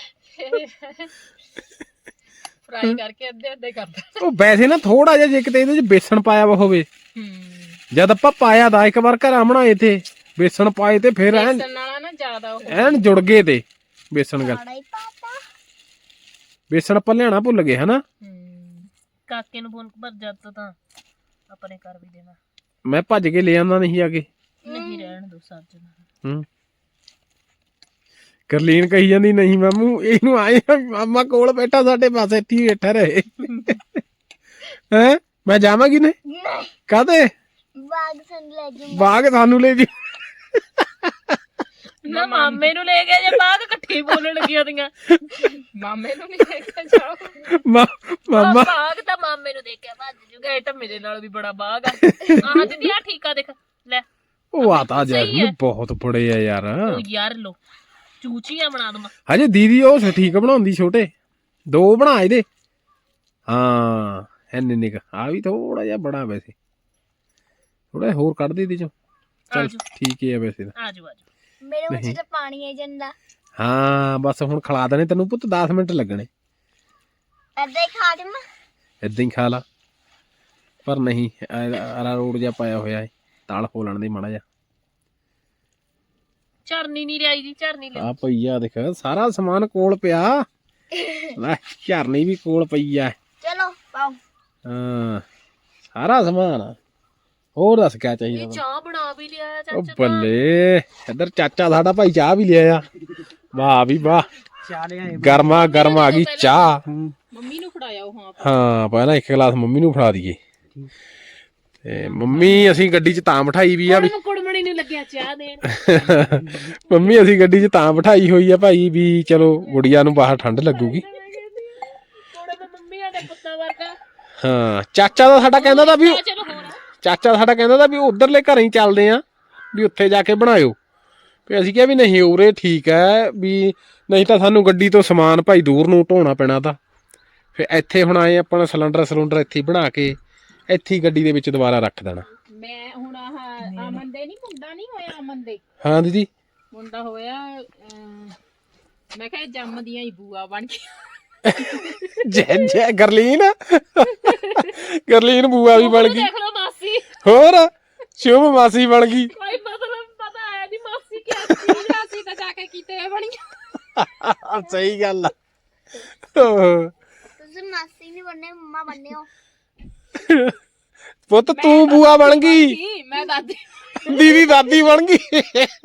B: ਫਰਾਈ ਕਰਕੇ ਅੱਧੇ ਅੱਧੇ ਕਰਦਾ
A: ਉਹ ਵੈਸੇ ਨਾ ਥੋੜਾ ਜਿਹਾ ਜੇ ਕਿਤੇ ਇਹਦੇ ਚ ਬੇਸਣ ਪਾਇਆ ਵਾ ਹੋਵੇ ਜਦ ਆਪਾਂ ਪਾਇਆ ਦਾ ਇੱਕ ਵਾਰ ਘਰਾਂ ਬਣਾਏ ਤੇ ਬੇਸਣ ਪਾਏ ਤੇ ਫਿਰ ਐਨ
B: ਬੇਸਣ ਨਾਲ ਨਾ ਜ਼ਿਆਦਾ ਉਹ
A: ਐਨ ਜੁੜ ਗਏ ਤੇ ਬੇਸਣ ਗੱਲ
D: बड़ा ही पाता
A: ਬੇਸਣ ਆਪਾਂ ਲਿਆਣਾ ਭੁੱਲ ਗਏ ਹਨਾ
B: ਕਾਕੇ ਨੂੰ ਫੋਨ ਪਰ ਜਦ ਤਾਂ ਆਪਣੇ ਕਰ ਵੀ ਦੇਣਾ
A: ਮੈਂ ਭੱਜ ਕੇ ਲੈ ਆਉਂਦਾ ਨਹੀਂ ਆ ਕੇ
B: ਨਹੀਂ ਰਹਿਣ ਦੋ ਸੱਜਣ
A: ਹੂੰ ਕਰਲੀਨ ਕਹੀ ਜਾਂਦੀ ਨਹੀਂ ਮਾਮੂ ਇਹਨੂੰ ਆਏ ਮਾਮਾ ਕੋਲ ਬੈਠਾ ਸਾਡੇ ਪਾਸੇ ਇੱਥੇ ਹੀ ਬੈਠਾ ਰਹੇ ਹੈ ਮੈਂ ਜਾਵਾਂਗੀ ਨੇ
D: नहीं
A: ਕਾਹਦੇ
D: बाघ सन ले
A: ਬਾਗ ਸਾਨੂੰ ਲੈ ਜੀ
B: ਨਾ ਮਾਮੇ ਨੂੰ ਲੈ ਗਿਆ ਜੇ ਬਾਗ ਇਕੱਠੇ ਬੋਲਣ ਲੱਗੀਆਂ ਦੀਆਂ ਮਾਮੇ ਨੂੰ ਨਹੀਂ ਲੈ ਕੇ ਜਾਓ
A: ਮਾਮਾ
B: ਬਾਗ ਤਾਂ ਮਾਮੇ ਨੂੰ ਦੇਖਿਆ ਭੱਜ ਜੂਗਾ ਇਹ ਤਾਂ ਮੇਰੇ ਨਾਲ ਵੀ ਬੜਾ ਬਾਗ ਆ ਆਹ ਦੀਦੀ ਆ ਠੀਕ ਆ ਦੇਖ ਲੈ
A: ਉਹ ਆਤਾ ਜੈਸਮੀਨ ਬਹੁਤ ਬੜੇ ਆ ਯਾਰ
B: ਉਹ ਯਾਰ ਲੋ ਚੂਚੀਆਂ ਬਣਾ ਦਵਾਂ
A: ਹਜੇ ਦੀਦੀ ਉਹ ਠੀਕ ਬਣਾਉਂਦੀ ਛੋਟੇ ਦੋ ਬਣਾ ਇਹਦੇ ਹਾਂ ਐਨੇ ਨਿਕ ਆ ਵੀ ਥੋੜਾ ਜਿਹਾ ਬੜਾ ਵੈਸੇ ਥੋੜਾ ਹੋਰ ਕੱਢ ਦੇ ਇਹਦੇ ਚੋਂ ਚਲ ਠੀਕ ਹੀ ਆ ਵੈਸੇ ਤਾਂ
B: ਆਜੋ ਆਜੋ
D: मेरे मुंह से तो पानी है जंदा
A: ਹਾਂ ਬਸ ਹੁਣ ਖਿਲਾ ਦੇਣੇ ਤੈਨੂੰ ਪੁੱਤ 10 ਮਿੰਟ ਲੱਗਣੇ
D: ऐसे ही खा दे मैं
A: ਏਦਾਂ ਹੀ ਖਾ ਲਾ ਪਰ ਨਹੀਂ ਅਰਾ ਰੋਡ ਜਿਹਾ ਪਾਇਆ ਹੋਇਆ ਹੈ ਤਾਲ ਖੋਲਣ ਦੀ ਮਾੜਾ ਜਿਹਾ
B: ਚਰਨੀ ਨਹੀਂ ਲਿਆਈ ਜੀ ਚਰਨੀ ਲੈ
A: ਆ ਪਈਆ ਦੇਖ ਸਾਰਾ ਸਮਾਨ ਕੋਲ ਪਿਆ ਲੈ ਝਰਨੀ ਵੀ ਕੋਲ ਪਈ ਆ
D: चलो पाओ
A: ਹਾਂ ਸਾਰਾ ਸਮਾਨ ਆ। ਹੋਰ ਦੱਸ ਕਿਆ ਚਾਹੀਦਾ
B: ਇਹ ਚਾਹ ਬਣਾ ਵੀ ਲਿਆ
A: ਉਹ
B: ਚਾਚਾ
A: ਬੱਲੇ ਇੱਧਰ ਚਾਚਾ ਸਾਡਾ ਭਾਈ ਚਾਹ ਵੀ ਲਿਆ ਆ ਵਾਹ ਵੀ ਵਾਹ
C: ਚਾਹ ਲਿਆਏ
A: ਗਰਮਾ ਗਰਮ ਆ ਗਈ ਚਾਹ
B: ਮੰਮੀ ਨੂੰ ਫੜਾਇਆ ਉਹ ਹਾਂ
A: ਹਾਂ ਪਹਿਲਾਂ ਇੱਕ ਗਲਾਸ ਮੰਮੀ ਨੂੰ ਫੜਾ ਦਈਏ ਤੇ ਮੰਮੀ ਅਸੀਂ ਗੱਡੀ 'ਚ ਤਾਂ ਬਿਠਾਈ ਵੀ ਆ ਵੀ
B: ਕੁੜਮਣੀ ਨੂੰ ਲੱਗਿਆ ਚਾਹ ਦੇਣ
A: ਮੰਮੀ ਅਸੀਂ ਗੱਡੀ 'ਚ ਤਾਂ ਬਿਠਾਈ ਹੋਈ ਆ ਭਾਈ ਵੀ ਚਲੋ ਗੁੜੀਆ ਨੂੰ ਬਾਹਰ ਠੰਡ ਲੱਗੂਗੀ
B: ਕੋੜੇ ਤੇ ਮੰਮੀ ਆ ਦੇ ਪੁੱਤਾਂ ਵਰਗਾ
A: ਹਾਂ ਚਾਚਾ ਦਾ ਸਾਡਾ ਕਹਿੰਦਾ ਤਾਂ ਵੀ
B: ਚਲੋ ਹੋਰ
A: ਚਾਚਾ ਸਾਡਾ ਕਹਿੰਦਾ ਤਾਂ ਵੀ ਉਧਰਲੇ ਘਰਾਂ ਹੀ ਚੱਲਦੇ ਆ ਵੀ ਉੱਥੇ ਜਾ ਕੇ ਬਣਾਇਓ ਵੀ ਅਸੀਂ ਕਿਹਾ ਵੀ ਨਹੀਂ ਉਰੇ ਠੀਕ ਹੈ ਵੀ ਨਹੀਂ ਤਾਂ ਸਾਨੂੰ ਗੱਡੀ ਤੋਂ ਸਮਾਨ ਭਾਈ ਦੂਰ ਨੂੰ ਢੋਣਾ ਪੈਣਾ ਤਾਂ ਫਿਰ ਇੱਥੇ ਹੁਣ ਆਏ ਆਪਣਾ ਸਿਲੰਡਰ ਇੱਥੇ ਬਣਾ ਕੇ ਇੱਥੇ ਹੀ ਗੱਡੀ ਦੇ ਵਿੱਚ ਦੁਬਾਰਾ ਰੱਖ ਦੇਣਾ
B: ਮੈਂ ਹੁਣ ਆਹ ਅਮਨ ਦੇ ਨਹੀਂ ਮੁੰਡਾ ਨਹੀਂ ਹੋਇਆ ਅਮਨ ਦੇ
A: ਹਾਂ ਦੀਦੀ
B: ਮੁੰਡਾ ਹੋਇਆ ਮੈਂ ਕਿਹਾ ਜੰਮਦੀਆਂ ਹੀ ਬੂਆ ਬਣ ਕੇ
A: ਜੈ ਗਰਲੀਨ ਬੂਆ ਵੀ ਬਣ ਗਈ
B: ਦੇਖ ਲਓ ਮਾਸੀ
A: ਹੋਰ ਸ਼ੁਭ ਮਾਸੀ ਬਣ ਗਈ
B: ਕੋਈ ਮਤਲਬ ਪਤਾ ਆਇਆ ਨਹੀਂ ਮਾਸੀ ਕੀ ਚੀਜ਼ ਆ ਸੀ ਤਾਂ ਜਾ ਕੇ ਕੀਤੇ ਬਣੀ
A: ਸਹੀ ਗੱਲ ਆ
D: तुझे मासी नहीं बनने मम्मा बनने हो
A: ਪੁੱਤ ਤੂੰ ਬੂਆ ਬਣ ਗਈ
B: ਮੈਂ ਦਾਦੀ
A: ਦੀਦੀ ਦਾਦੀ ਬਣ ਗਈ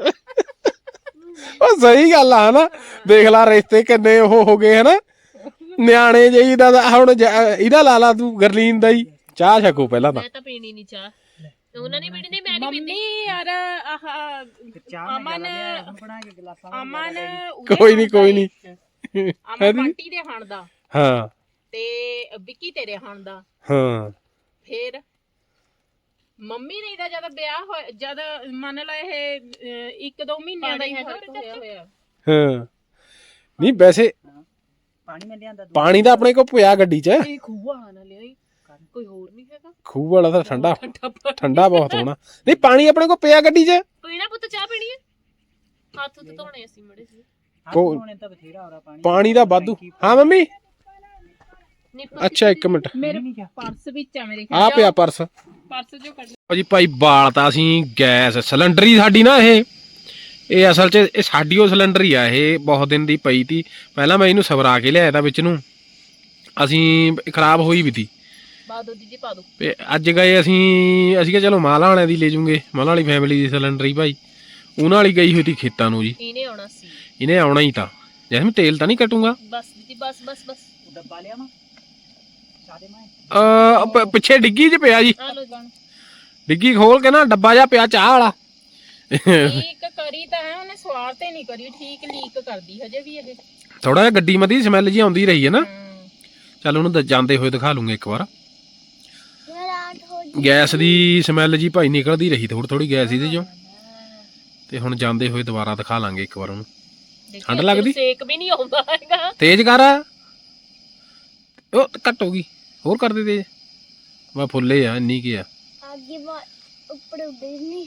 A: ਉਹ ਸਹੀ ਗੱਲ ਆ ਹਨਾ ਦੇਖ ਲਾ ਰਿਸ਼ਤੇ ਕਿੰਨੇ ਉਹ ਹੋ ਗਏ ਹਨਾ ਨਿਆਣੇ ਜਿਹੀ ਦਾ ਹੁਣ ਇਹਦਾ ਲਾ ਲਾ ਤੂੰ ਗਰਲੀਨ ਦਾ ਹੀ ਚਾਹ ਛਕੋ ਪਹਿਲਾਂ ਤਾਂ
B: ਮੈਂ ਤਾਂ ਪੀਣੀ ਨਹੀਂ ਚਾਹ ਉਹਨਾਂ ਨੇ ਪੀਣੀ ਨਹੀਂ ਮੈਂ ਨਹੀਂ ਪੀਂਦੀ ਮੰਮੀ ਯਾਰ ਆਹ
C: ਚਾਹ ਮੈਂ ਲਿਆਇਆ ਬਣਾ ਕੇ ਗਲਾਸਾਂ
B: ਅਮਨ
A: ਕੋਈ ਨਹੀਂ
B: ਅਮਨ ਬੰਟੀ ਦੇ ਹਣ ਦਾ
A: ਹਾਂ
B: ਤੇ ਵਿੱਕੀ ਤੇਰੇ ਹਣ ਦਾ
A: ਹਾਂ
B: ਫੇਰ ਮੰਮੀ ਨੇ ਦਾ ਜਦ ਵਿਆਹ ਹੋਇਆ ਜਦ ਮੰਨ ਲਾ ਇਹ 1-2 ਮਹੀਨਿਆਂ ਦਾ ਹੀ ਹੋਇਆ
A: ਹਾਂ ਨਹੀਂ ਵੈਸੇ
C: ਪਾਣੀ ਮੈਂ ਲਿਆਂਦਾ
A: ਪਾਣੀ ਤਾਂ ਆਪਣੇ ਕੋਲ ਪਿਆ ਗੱਡੀ 'ਚ
B: ਇਹ ਖੂਹ ਵਾਲਾ ਨਾ ਲਿਆਈ ਕੋਈ ਹੋਰ ਨਹੀਂ ਹੈਗਾ
A: ਖੂਹ ਵਾਲਾ ਤਾਂ ਠੰਡਾ ਬਹੁਤ ਹੋਣਾ ਨਹੀਂ ਪਾਣੀ ਆਪਣੇ ਕੋਲ ਪਿਆ ਗੱਡੀ 'ਚ
B: ਪੀਣਾ ਪੁੱਤ ਚਾਹ ਪੀਣੀ ਹੈ ਹੱਥ ਤੇ ਧੋਣੇ ਅਸੀਂ ਮੜੇ ਸੀ
C: ਕੋਣੇ ਤਾਂ ਬਥੇਰਾ ਹੋ ਰਿਹਾ
A: ਪਾਣੀ ਦਾ ਵਾਧੂ ਹਾਂ ਮੰਮੀ
B: ਨਹੀਂ
A: ਅੱਛਾ ਇੱਕ ਮਿੰਟ
B: ਮੇਰੇ ਪਰਸ ਵਿੱਚ ਆ ਮੇਰੇ
A: ਆ ਪਿਆ ਪਰਸ
B: ਪਰਸ ਜੋ ਕੱਢ
A: ਜੀ ਭਾਈ ਬਾਲਤਾ ਅਸੀਂ ਗੈਸ ਸਿਲੰਡਰ ਹੀ ਸਾਡੀ ਨਾ ਇਹ ਅਸਲ 'ਚ ਇਹ ਸਾਡੀ ਉਹ ਸਿਲੰਡਰ ਹੀ ਆ ਇਹ ਬਹੁਤ ਦਿਨ ਦੀ ਪਈ ਤੀ ਪਹਿਲਾਂ ਮੈਂ ਇਹਨੂੰ ਸਵਰਾ ਕੇ ਲਿਆਇਆ ਤਾਂ ਵਿੱਚ ਨੂੰ ਅਸੀਂ ਖਰਾਬ ਹੋਈ ਵੀ ਤੀ
B: ਪਾ ਦੋ ਦੀਦੀ ਪਾ ਦੋ
A: ਤੇ ਅੱਜ ਗਏ ਅਸੀਂ ਕਿਹਾ ਚਲੋ ਮਾਲਾ ਵਾਲਿਆਂ ਦੀ ਲੈ ਜੂਗੇ ਮਾਲਾ ਵਾਲੀ ਫੈਮਿਲੀ ਦੀ ਸਿਲੰਡਰ ਹੀ ਭਾਈ ਉਹਨਾਂ ਵਾਲੀ ਗਈ ਹੋਈ ਤੀ ਖੇਤਾਂ ਨੂੰ ਜੀ
B: ਇਹਨੇ ਆਉਣਾ ਸੀ
A: ਇਹਨੇ ਆਉਣਾ ਹੀ ਤਾਂ ਜੈਸਮੀਨ ਤੇਲ ਤਾਂ ਨਹੀਂ ਕੱਟੂਗਾ
B: ਬਸ ਦੀਦੀ ਬਸ
C: ਡੱਬਾ ਲਿਆ ਮੈਂ ਚਾਦੇ ਮੈਂ
A: ਪਿੱਛੇ ਡਿੱਗੀ 'ਚ ਪਿਆ ਜੀ
B: ਆ ਲੋ ਜਾਣ
A: ਡਿੱਗੀ ਖੋਲ ਕੇ ਨਾ ਡੱਬਾ ਜਿਹਾ ਪਿਆ ਚਾਹ ਵਾਲਾ
B: ਇੱਕ ਕਰੀ ਤਾਂ ਹੈ ਉਹਨੇ ਸਵਾਦ ਬਾਹਰ ਤੇ ਨਹੀਂ ਕਰੀ ਠੀਕ, ਲੀਕ ਕਰਦੀ ਹਜੇ ਵੀ ਇਹ।
A: ਥੋੜਾ ਜਿਹਾ ਗੱਡੀ ਮਦੀ ਸਮੈਲ ਜੀ ਆਉਂਦੀ ਰਹੀ ਹੈ ਨਾ।
B: ਹਮ।
A: ਚੱਲ ਉਹਨੂੰ ਜਾਂਦੇ ਹੋਏ ਦਿਖਾ ਲੂੰਗੇ ਇੱਕ ਵਾਰ।
D: ਰਾਤ ਹੋ ਗਈ।
A: ਗੈਸ ਦੀ ਸਮੈਲ ਜੀ ਭਾਈ ਨਿਕਲਦੀ ਰਹੀ ਥੋੜੀ ਥੋੜੀ ਗੈਸ ਇਹਦੇ ਚੋਂ, ਤੇ ਹੁਣ ਜਾਂਦੇ ਹੋਏ ਦੁਬਾਰਾ ਦਿਖਾ ਲਾਂਗੇ ਇੱਕ ਵਾਰ ਉਹਨੂੰ। ਠੰਡ ਲੱਗਦੀ?
B: ਸੇਕ ਵੀ ਨਹੀਂ ਆਉਂਦਾ ਹੈਗਾ।
A: ਤੇਜ਼ ਕਰ, ਉਹ ਘੱਟ ਹੋ ਗਈ, ਹੋਰ ਕਰ ਦੇ ਤੇਜ਼। ਵਾ ਫੁੱਲੇ ਆ ਇੰਨੀ ਕੀ ਆ।
D: ਅੱਗੇ ਉੱਪਰ ਉੱਡੇ ਨਹੀਂ।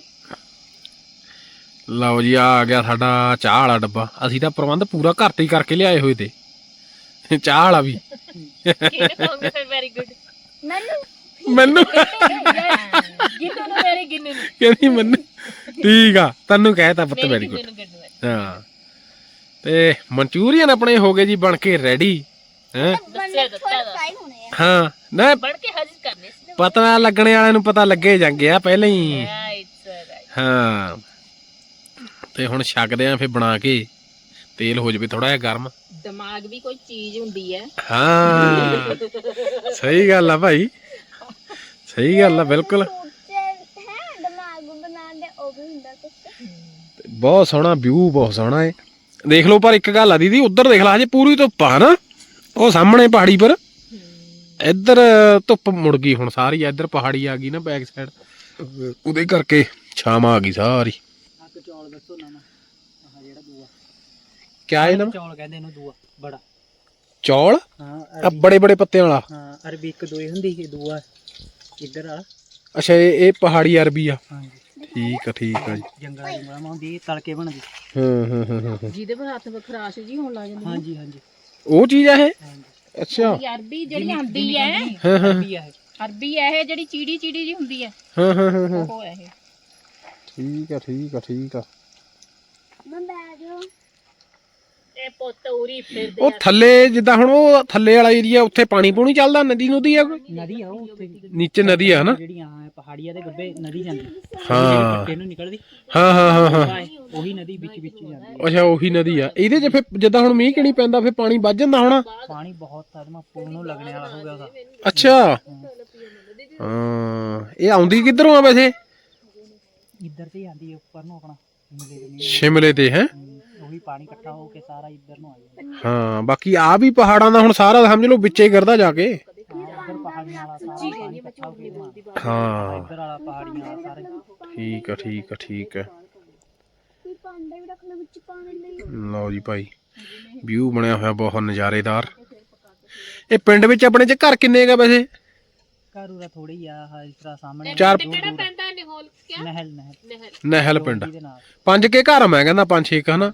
A: ਲਓ ਜੀ ਆ ਗਿਆ ਸਾਡਾ ਚਾਹ ਵਾਲਾ ਡੱਬਾ। ਅਸੀਂ ਤਾਂ ਪ੍ਰਬੰਧ ਪੂਰਾ ਘਰ ਤੇ ਹੀ ਕਰਕੇ ਲਿਆਏ ਹੋਏ ਤੇ ਚਾਹ ਵਾਲਾ ਵੀ।
B: ਕਿਹਨੇ ਕਹੋਗੇ ਫਿਰ ਵੈਰੀ ਗੁੱਡ।
A: ਮੈਨੂੰ
B: ਗਿੰਨੂ ਨੂੰ ਵੈਰੀ ਗਿੰਨੂ ਨੂੰ।
A: ਕਹਿੰਦੀ ਮੈਨੂੰ ਠੀਕ ਆ, ਤੈਨੂੰ ਕਹਿਤਾ ਪੁੱਤ ਵੈਰੀ ਗੁੱਡ। ਹਾਂ ਤੇ ਮਨਚੂਰੀਅਨ ਆਪਣੇ ਹੋ ਗਏ ਜੀ ਬਣ ਕੇ ਰੈਡੀ ਹੈ। ਹਾਂ ਨਾ
B: ਬਣ ਕੇ ਹਾਜ਼ਰ ਕਰਨੇ ਸੀ।
A: ਪਤਾ ਲੱਗਣੇ ਵਾਲਿਆਂ ਨੂੰ ਪਤਾ ਲੱਗੇ ਜਾਂਗੇ ਆ ਪਹਿਲਾਂ ਹੀ। ਹਾਂ ਤੇ ਹੁਣ ਛਕਦੇ ਆ ਫਿਰ ਬਣਾ ਕੇ। ਤੇਲ ਹੋ ਜਾਵੇ ਥੋੜਾ ਜਿਹਾ ਗਰਮ।
B: ਦਿਮਾਗ ਵੀ ਕੋਈ ਚੀਜ਼ ਹੁੰਦੀ ਹੈ।
A: ਹਾਂ ਸਹੀ ਗੱਲ ਆ ਭਾਈ, ਸਹੀ ਗੱਲ ਆ ਬਿਲਕੁਲ।
D: ਦਿਮਾਗ ਬਣਾਉਂਦੇ ਉਹ ਵੀ ਹੁੰਦਾ ਕੁਛ।
A: ਬਹੁਤ ਸੋਹਣਾ ਵਿਊ, ਬਹੁਤ ਸੋਹਣਾ ਹੈ। ਦੇਖ ਲਓ ਪਰ ਇੱਕ ਗੱਲ ਆ ਦੀਦੀ, ਉੱਧਰ ਦੇਖ ਲਾ ਹਜੇ ਪੂਰੀ ਧੁੱਪ ਆ ਨਾ, ਉਹ ਸਾਹਮਣੇ ਪਹਾੜੀ ਪਰ। ਇੱਧਰ ਧੁੱਪ ਮੁੜ ਗਈ ਹੁਣ ਸਾਰੀ, ਇੱਧਰ ਪਹਾੜੀ ਆ ਗਈ ਨਾ ਬੈਕ ਸਾਈਡ, ਉਹਦੇ ਕਰਕੇ ਛਾਵਾਂ ਆ ਗਈ ਸਾਰੀ।
C: ਆਹ ਚੌਲ ਦੱਸੋ ਨਾ ਆਹ ਜਿਹੜਾ ਦੂਆ
A: ਕਿਆ ਇਹ ਨਾ
C: ਚੌਲ ਕਹਿੰਦੇ ਇਹਨੂੰ, ਦੂਆ ਬੜਾ
A: ਚੌਲ
C: ਹਾਂ।
A: ਆ ਬੜੇ ਬੜੇ ਪੱਤਿਆਂ ਵਾਲਾ।
C: ਹਾਂ ਅਰਬੀ ਇੱਕ ਦੋਏ ਹੁੰਦੀ, ਇਹ ਦੂਆ ਇੱਧਰ ਵਾਲਾ।
A: ਅੱਛਾ ਇਹ ਪਹਾੜੀ ਅਰਬੀ ਆ।
C: ਹਾਂਜੀ
A: ਠੀਕ ਆ ਠੀਕ ਆ ਜੀ।
C: ਜੰਗਲਾਂ ਦੀ ਮਲਾਮਾ ਹੁੰਦੀ, ਤਲਕੇ ਬਣਦੀ।
A: ਹਾਂ
B: ਜਿਹਦੇ ਪਰ ਹੱਥ ਵਿੱਚ ਖਰਾਸ਼ ਜੀ ਹੋਣ ਲੱਗ ਜਾਂਦੀ।
C: ਹਾਂਜੀ ਹਾਂਜੀ
A: ਉਹ ਚੀਜ਼ ਆ ਇਹ।
C: ਹਾਂਜੀ
A: ਅੱਛਾ
B: ਅਰਬੀ ਜਿਹੜੀ ਆਂਦੀ ਹੈ,
A: ਹਾਂ ਹਾਂ
C: ਅਰਬੀ ਆ ਇਹ।
B: ਅਰਬੀ ਹੈ ਇਹ ਜਿਹੜੀ ਚੀੜੀ ਚੀੜੀ ਜੀ ਹੁੰਦੀ ਹੈ,
A: ਹਾਂ ਹਾਂ ਹਾਂ
B: ਉਹ ਹੈ ਇਹ।
A: ਠੀਕ ਆ ਠੀਕ ਆ ਠੀਕ ਆ।
D: ਮੈਂ ਬੈਠ ਜਾ।
B: ਇਹ ਪੁੱਤ ਉਰੀ ਫਿਰਦੇ
A: ਉਹ ਥੱਲੇ ਜਿੱਦਾਂ ਹੁਣ ਉਹ ਥੱਲੇ ਵਾਲਾ ਏਰੀਆ, ਉੱਥੇ ਪਾਣੀ ਪੂਣੀ ਚੱਲਦਾ, ਨਦੀ ਨੁਦੀ ਆ ਕੋਈ?
C: ਨਦੀ ਆ ਉਹ ਉੱਥੇ,
A: ਨੀਚੇ ਨਦੀ ਆ ਹਨਾ।
C: ਜਿਹੜੀਆਂ ਪਹਾੜੀਆਂ ਦੇ ਗੱਬੇ ਨਦੀ ਜਾਂਦੀ।
A: ਹਾਂ
C: ਪੱਟੇ ਨੂੰ ਨਿਕਲਦੀ,
A: ਹਾਂ ਹਾਂ ਹਾਂ ਹਾਂ
C: ਉਹੀ ਨਦੀ ਵਿੱਚ ਵਿੱਚ ਜਾਂਦੀ।
A: ਅੱਛਾ ਉਹੀ ਨਦੀ ਆ। ਇਹਦੇ 'ਚ ਫਿਰ ਜਿੱਦਾਂ ਹੁਣ ਮੀਂਹ ਕਿਣੀ ਪੈਂਦਾ ਫਿਰ ਪਾਣੀ ਵੱਧ ਜਾਂਦਾ ਹੋਣਾ।
C: ਪਾਣੀ ਬਹੁਤ ਆਦਮਾ ਪੁਲ ਨੂੰ ਲੱਗਣੇ ਵਾਲਾ ਹੋ ਗਿਆ ਉਹਦਾ।
A: ਅੱਛਾ ਹਾਂ ਇਹ ਆਉਂਦੀ ਕਿੱਧਰੋਂ ਆ ਵੈਸੇ?
C: ਇੱਧਰ ਤੇ ਆਂਦੀ ਉੱਪਰ ਨੂੰ ਆਪਣਾ
A: ਸ਼ਿਮਲੇ ਤੇ ਹੈ।
C: ਉਹੀ ਪਾਣੀ ਇਕੱਠਾ ਹੋ ਕੇ ਸਾਰਾ ਇੱਧਰ ਨੂੰ ਆ ਜਾਂਦਾ।
A: ਹਾਂ ਬਾਕੀ ਆ ਵੀ ਪਹਾੜਾਂ ਦਾ ਹੁਣ ਸਾਰਾ ਸਮਝ ਲਓ ਵਿੱਚੇ ਗਿਰਦਾ ਜਾ ਕੇ।
C: ਇੱਧਰ ਪਹਾੜੀਆਂ ਵਾਲਾ ਸਾਰਾ ਪਾਣੀ ਇਕੱਠਾ ਹੋ ਕੇ ਇੱਧਰ
A: ਹਾਂ
C: ਵਾਲਾ ਪਹਾੜੀਆਂ ਵਾਲਾ ਸਾਰਾ।
A: ਠੀਕ ਆ ਠੀਕ ਆ ਠੀਕ ਆ।
D: ਕੋਈ ਭਾਂਡਾ ਵੀ ਰੱਖ ਲੈ ਵਿੱਚ ਪਾਣੀ ਲਈ।
A: ਲਓ ਜੀ ਭਾਈ ਵਿਊ ਬਣਿਆ ਹੋਇਆ ਬਹੁਤ ਨਜ਼ਾਰੇਦਾਰ। ਇਹ ਪਿੰਡ ਵਿੱਚ ਆਪਣੇ ਚ ਘਰ ਕਿੰਨੇ ਹੈਗਾ ਵੈਸੇ?
C: ਘਰ ਉਰਾ ਥੋੜੀ ਆ ਇਸ ਤਰ੍ਹਾਂ ਸਾਹਮਣੇ।
A: ਚਾਰ
B: ਕਿਹੜਾ ਪੈਂਦਾ ਨਿਹੋਲ ਕਿਆ
C: ਨਹਿਲ
B: ਨਹਿਰ।
A: ਨਹਿਲ ਪਿੰਡ
C: ਦੇ ਨਾਲ
A: 5 ਕੇ ਘਰ ਮੈਂ ਕਹਿੰਦਾ 5-6 ਹਨਾ।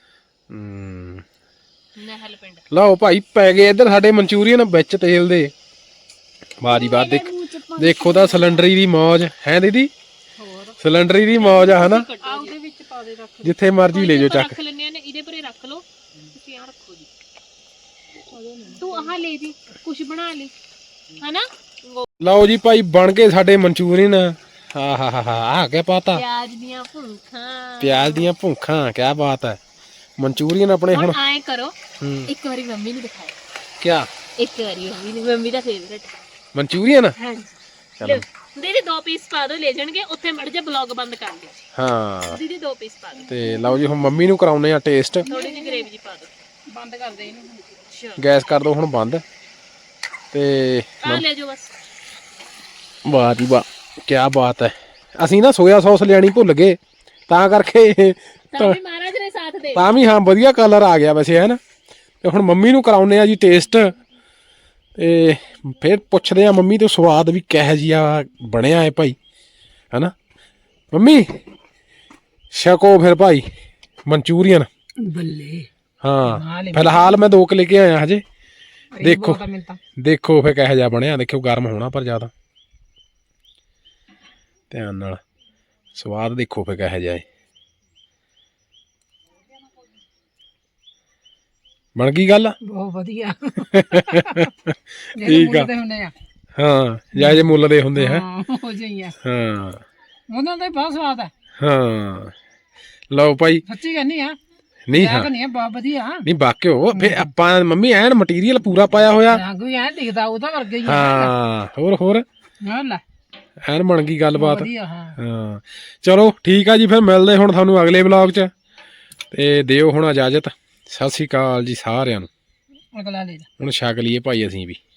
B: ਨਹਿਲ ਪਿੰਡ।
A: ਲਓ ਭਾਈ ਪੈ ਗਏ ਇੱਧਰ ਸਾਡੇ ਮਨਚੂਰੀਅਨ ਵਿੱਚ ਤੇਲ ਦੇ। ਵਾਹ ਜੀ ਵਾਹ ਦੇਖੋ ਤਾਂ ਸਿਲੰਡਰੀ ਦੀ ਮੌਜ ਹੈ ਦੀਦੀ।
B: ਹੋਰ
A: ਸਿਲੰਡਰੀ ਦੀ ਮੌਜ ਆ ਹਨਾ।
B: ਆ ਉਹਦੇ ਵਿੱਚ ਪਾ ਦੇ, ਰੱਖ
A: ਜਿੱਥੇ ਮਰਜ਼ੀ ਲੈ ਜਾਓ ਚੱਕ।
B: ਰੱਖ ਲੈਣੇ ਨੇ ਇਹਦੇ ਪਰੇ ਰੱਖ ਲਓ। ਤੁਸੀਂ ਆ ਰੱਖੋ ਜੀ, ਤੂੰ ਆਹ ਲੈ ਜੀ ਕੁਝ ਬਣਾ ਲਈ ਹਨਾ।
A: ਲਓ ਜੀ ਭਾਈ ਬਣ ਗਏ ਸਾਡੇ ਮਨਚੂਰੀਅਨ। ਹਾ ਹਾ ਹਾ ਆ ਕਿਆ ਪਾਤਾ?
B: ਪਿਆਜ਼ ਦੀਆਂ ਭੁੱਖਾਂ।
A: ਪਿਆਜ਼ ਦੀਆਂ ਭੁੱਖਾਂ ਕਿਆ ਬਾਤ ਹੈ। ਮਨਚੂਰੀਅਨ ਆਪਣੇ ਹੁਣ
B: ਆਏ ਕਰੋ ਇੱਕ ਵਾਰੀ ਮੰਮੀ ਨੂੰ ਦਿਖਾਓ।
A: ਕਿਆ?
B: ਇੱਕ ਵਾਰੀ ਮੰਮੀ ਦਾ ਫੇਵਰੇਟ
A: ਮਨਚੂਰੀਅਨ।
B: ਹਾਂਜੀ ਚਲੋ ਦੀਦੀ 2 ਪੀਸ ਪਾ ਦੋ, ਲੈ ਜਾਣਗੇ ਉੱਥੇ ਮੜ ਜਾ ਬਲੌਗ ਬੰਦ ਕਰ ਦਿਓ।
A: ਹਾਂ
B: ਦੀਦੀ 2 ਪੀਸ ਪਾ ਦੋ।
A: ਤੇ ਲਓ ਜੀ ਹੁਣ ਮੰਮੀ ਨੂੰ ਕਰਾਉਨੇ ਆ ਟੇਸਟ।
B: ਥੋੜੀ ਜਿਹੀ ਗ੍ਰੇਵੀ ਜੀ ਪਾ ਦੋ, ਬੰਦ ਕਰ ਦੇ ਇਹਨੂੰ। ਅੱਛਾ
A: ਗੈਸ ਕਰ ਦੋ ਹੁਣ ਬੰਦ। ਤੇ
B: ਆ ਲੈ ਜਾਓ ਬਸ।
A: ਵਾਹ ਜੀ ਵਾਹ ਕਿਆ ਬਾਤ ਹੈ। ਅਸੀਂ ਨਾ ਸੋਇਆ ਸੌਸ ਲਿਆਣੀ ਭੁੱਲ ਗਏ ਤਾਂ ਕਰਕੇ
B: ਤਾਂ ਵੀ ਮਹਾਰਾਜ ਨੇ ਸਾਥ ਦੇ।
A: ਤਾਂ ਵੀ ਹਾਂ ਵਧੀਆ ਕਲਰ ਆ ਗਿਆ ਵੈਸੇ ਹੈ ਨਾ। ਤੇ ਹੁਣ ਮੰਮੀ ਨੂੰ ਕਰਾਉਨੇ ਆ ਜੀ ਟੇਸਟ, ਤੇ ਫਿਰ ਪੁੱਛਦੇ ਆ ਮੰਮੀ ਤੋਂ ਸਵਾਦ ਵੀ ਕਿਹੋ ਜਿਹਾ ਬਣਿਆ ਹੈ ਭਾਈ ਹੈਨਾ। ਮੰਮੀ ਛਕੋ ਫਿਰ ਭਾਈ ਮਨਚੂਰੀਅਨ।
C: ਬੱਲੇ
A: ਹਾਂ ਫਿਲਹਾਲ ਮੈਂ 2 ਲੈ ਕੇ ਆਇਆ ਹਜੇ। ਦੇਖੋ ਦੇਖੋ ਫਿਰ ਕਿਹੋ ਜਿਹਾ ਬਣਿਆ। ਦੇਖਿਓ ਗਰਮ ਹੋਣਾ ਪਰ ਜ਼ਿਆਦਾ ਧਿਆਨ ਨਾਲ। ਸਵਾਦ ਦੇਖੋ ਫਿਰ ਕਿਹੋ ਜਿਹਾ ਹੈ। ਬਣ ਗਈ ਗੱਲ?
C: ਬਹੁਤ ਵਧੀਆ।
A: ਠੀਕ ਆ। ਹਾਂ ਜਾਇਜ਼ ਮੁੱਲ ਦੇ ਹੁੰਦੇ ਹੈ।
C: ਹੋ ਜਾਈਏ
A: ਹਾਂ
C: ਉਹਨਾਂ ਦਾ ਬਹੁਤ ਸਵਾਦ ਹੈ।
A: ਹਾਂ ਲਓ ਭਾਈ
C: ਸੱਚੀ ਕਹਿੰਦੀ ਆ।
A: ਨਹੀਂ ਹਾਂ
C: ਨਹੀਂ ਬਹੁਤ ਵਧੀਆ।
A: ਨਹੀਂ ਬਾਕਿਓ ਫਿਰ ਆਪਾਂ ਮੰਮੀ ਐਨ ਮਟੀਰੀਅਲ ਪੂਰਾ ਪਾਇਆ ਹੋਇਆ।
C: ਰੰਗ ਵੀ ਐ ਦਿਖਦਾ ਉਹਦਾ ਵਰਗਾ ਹੀ।
A: ਹਾਂ ਹੋਰ ਹੋਰ
C: ਲੈ
A: ਐਨ ਬਣ ਗਈ ਗੱਲਬਾਤ।
C: ਵਧੀਆ। ਹਾਂ
A: ਹਾਂ ਚਲੋ ਠੀਕ ਆ ਜੀ ਫਿਰ ਮਿਲਦੇ ਹੁਣ ਤੁਹਾਨੂੰ ਅਗਲੇ ਵਲੌਗ 'ਚ। ਤੇ ਦਿਓ ਹੁਣ ਇਜਾਜ਼ਤ। ਸਤਿ ਸ੍ਰੀ ਅਕਾਲ ਜੀ ਸਾਰਿਆਂ ਨੂੰ।
B: ਅਗਲਾ ਲੈ ਜਾ।
A: ਹੁਣ ਛਕ ਲਈਏ ਭਾਈ ਅਸੀਂ ਵੀ।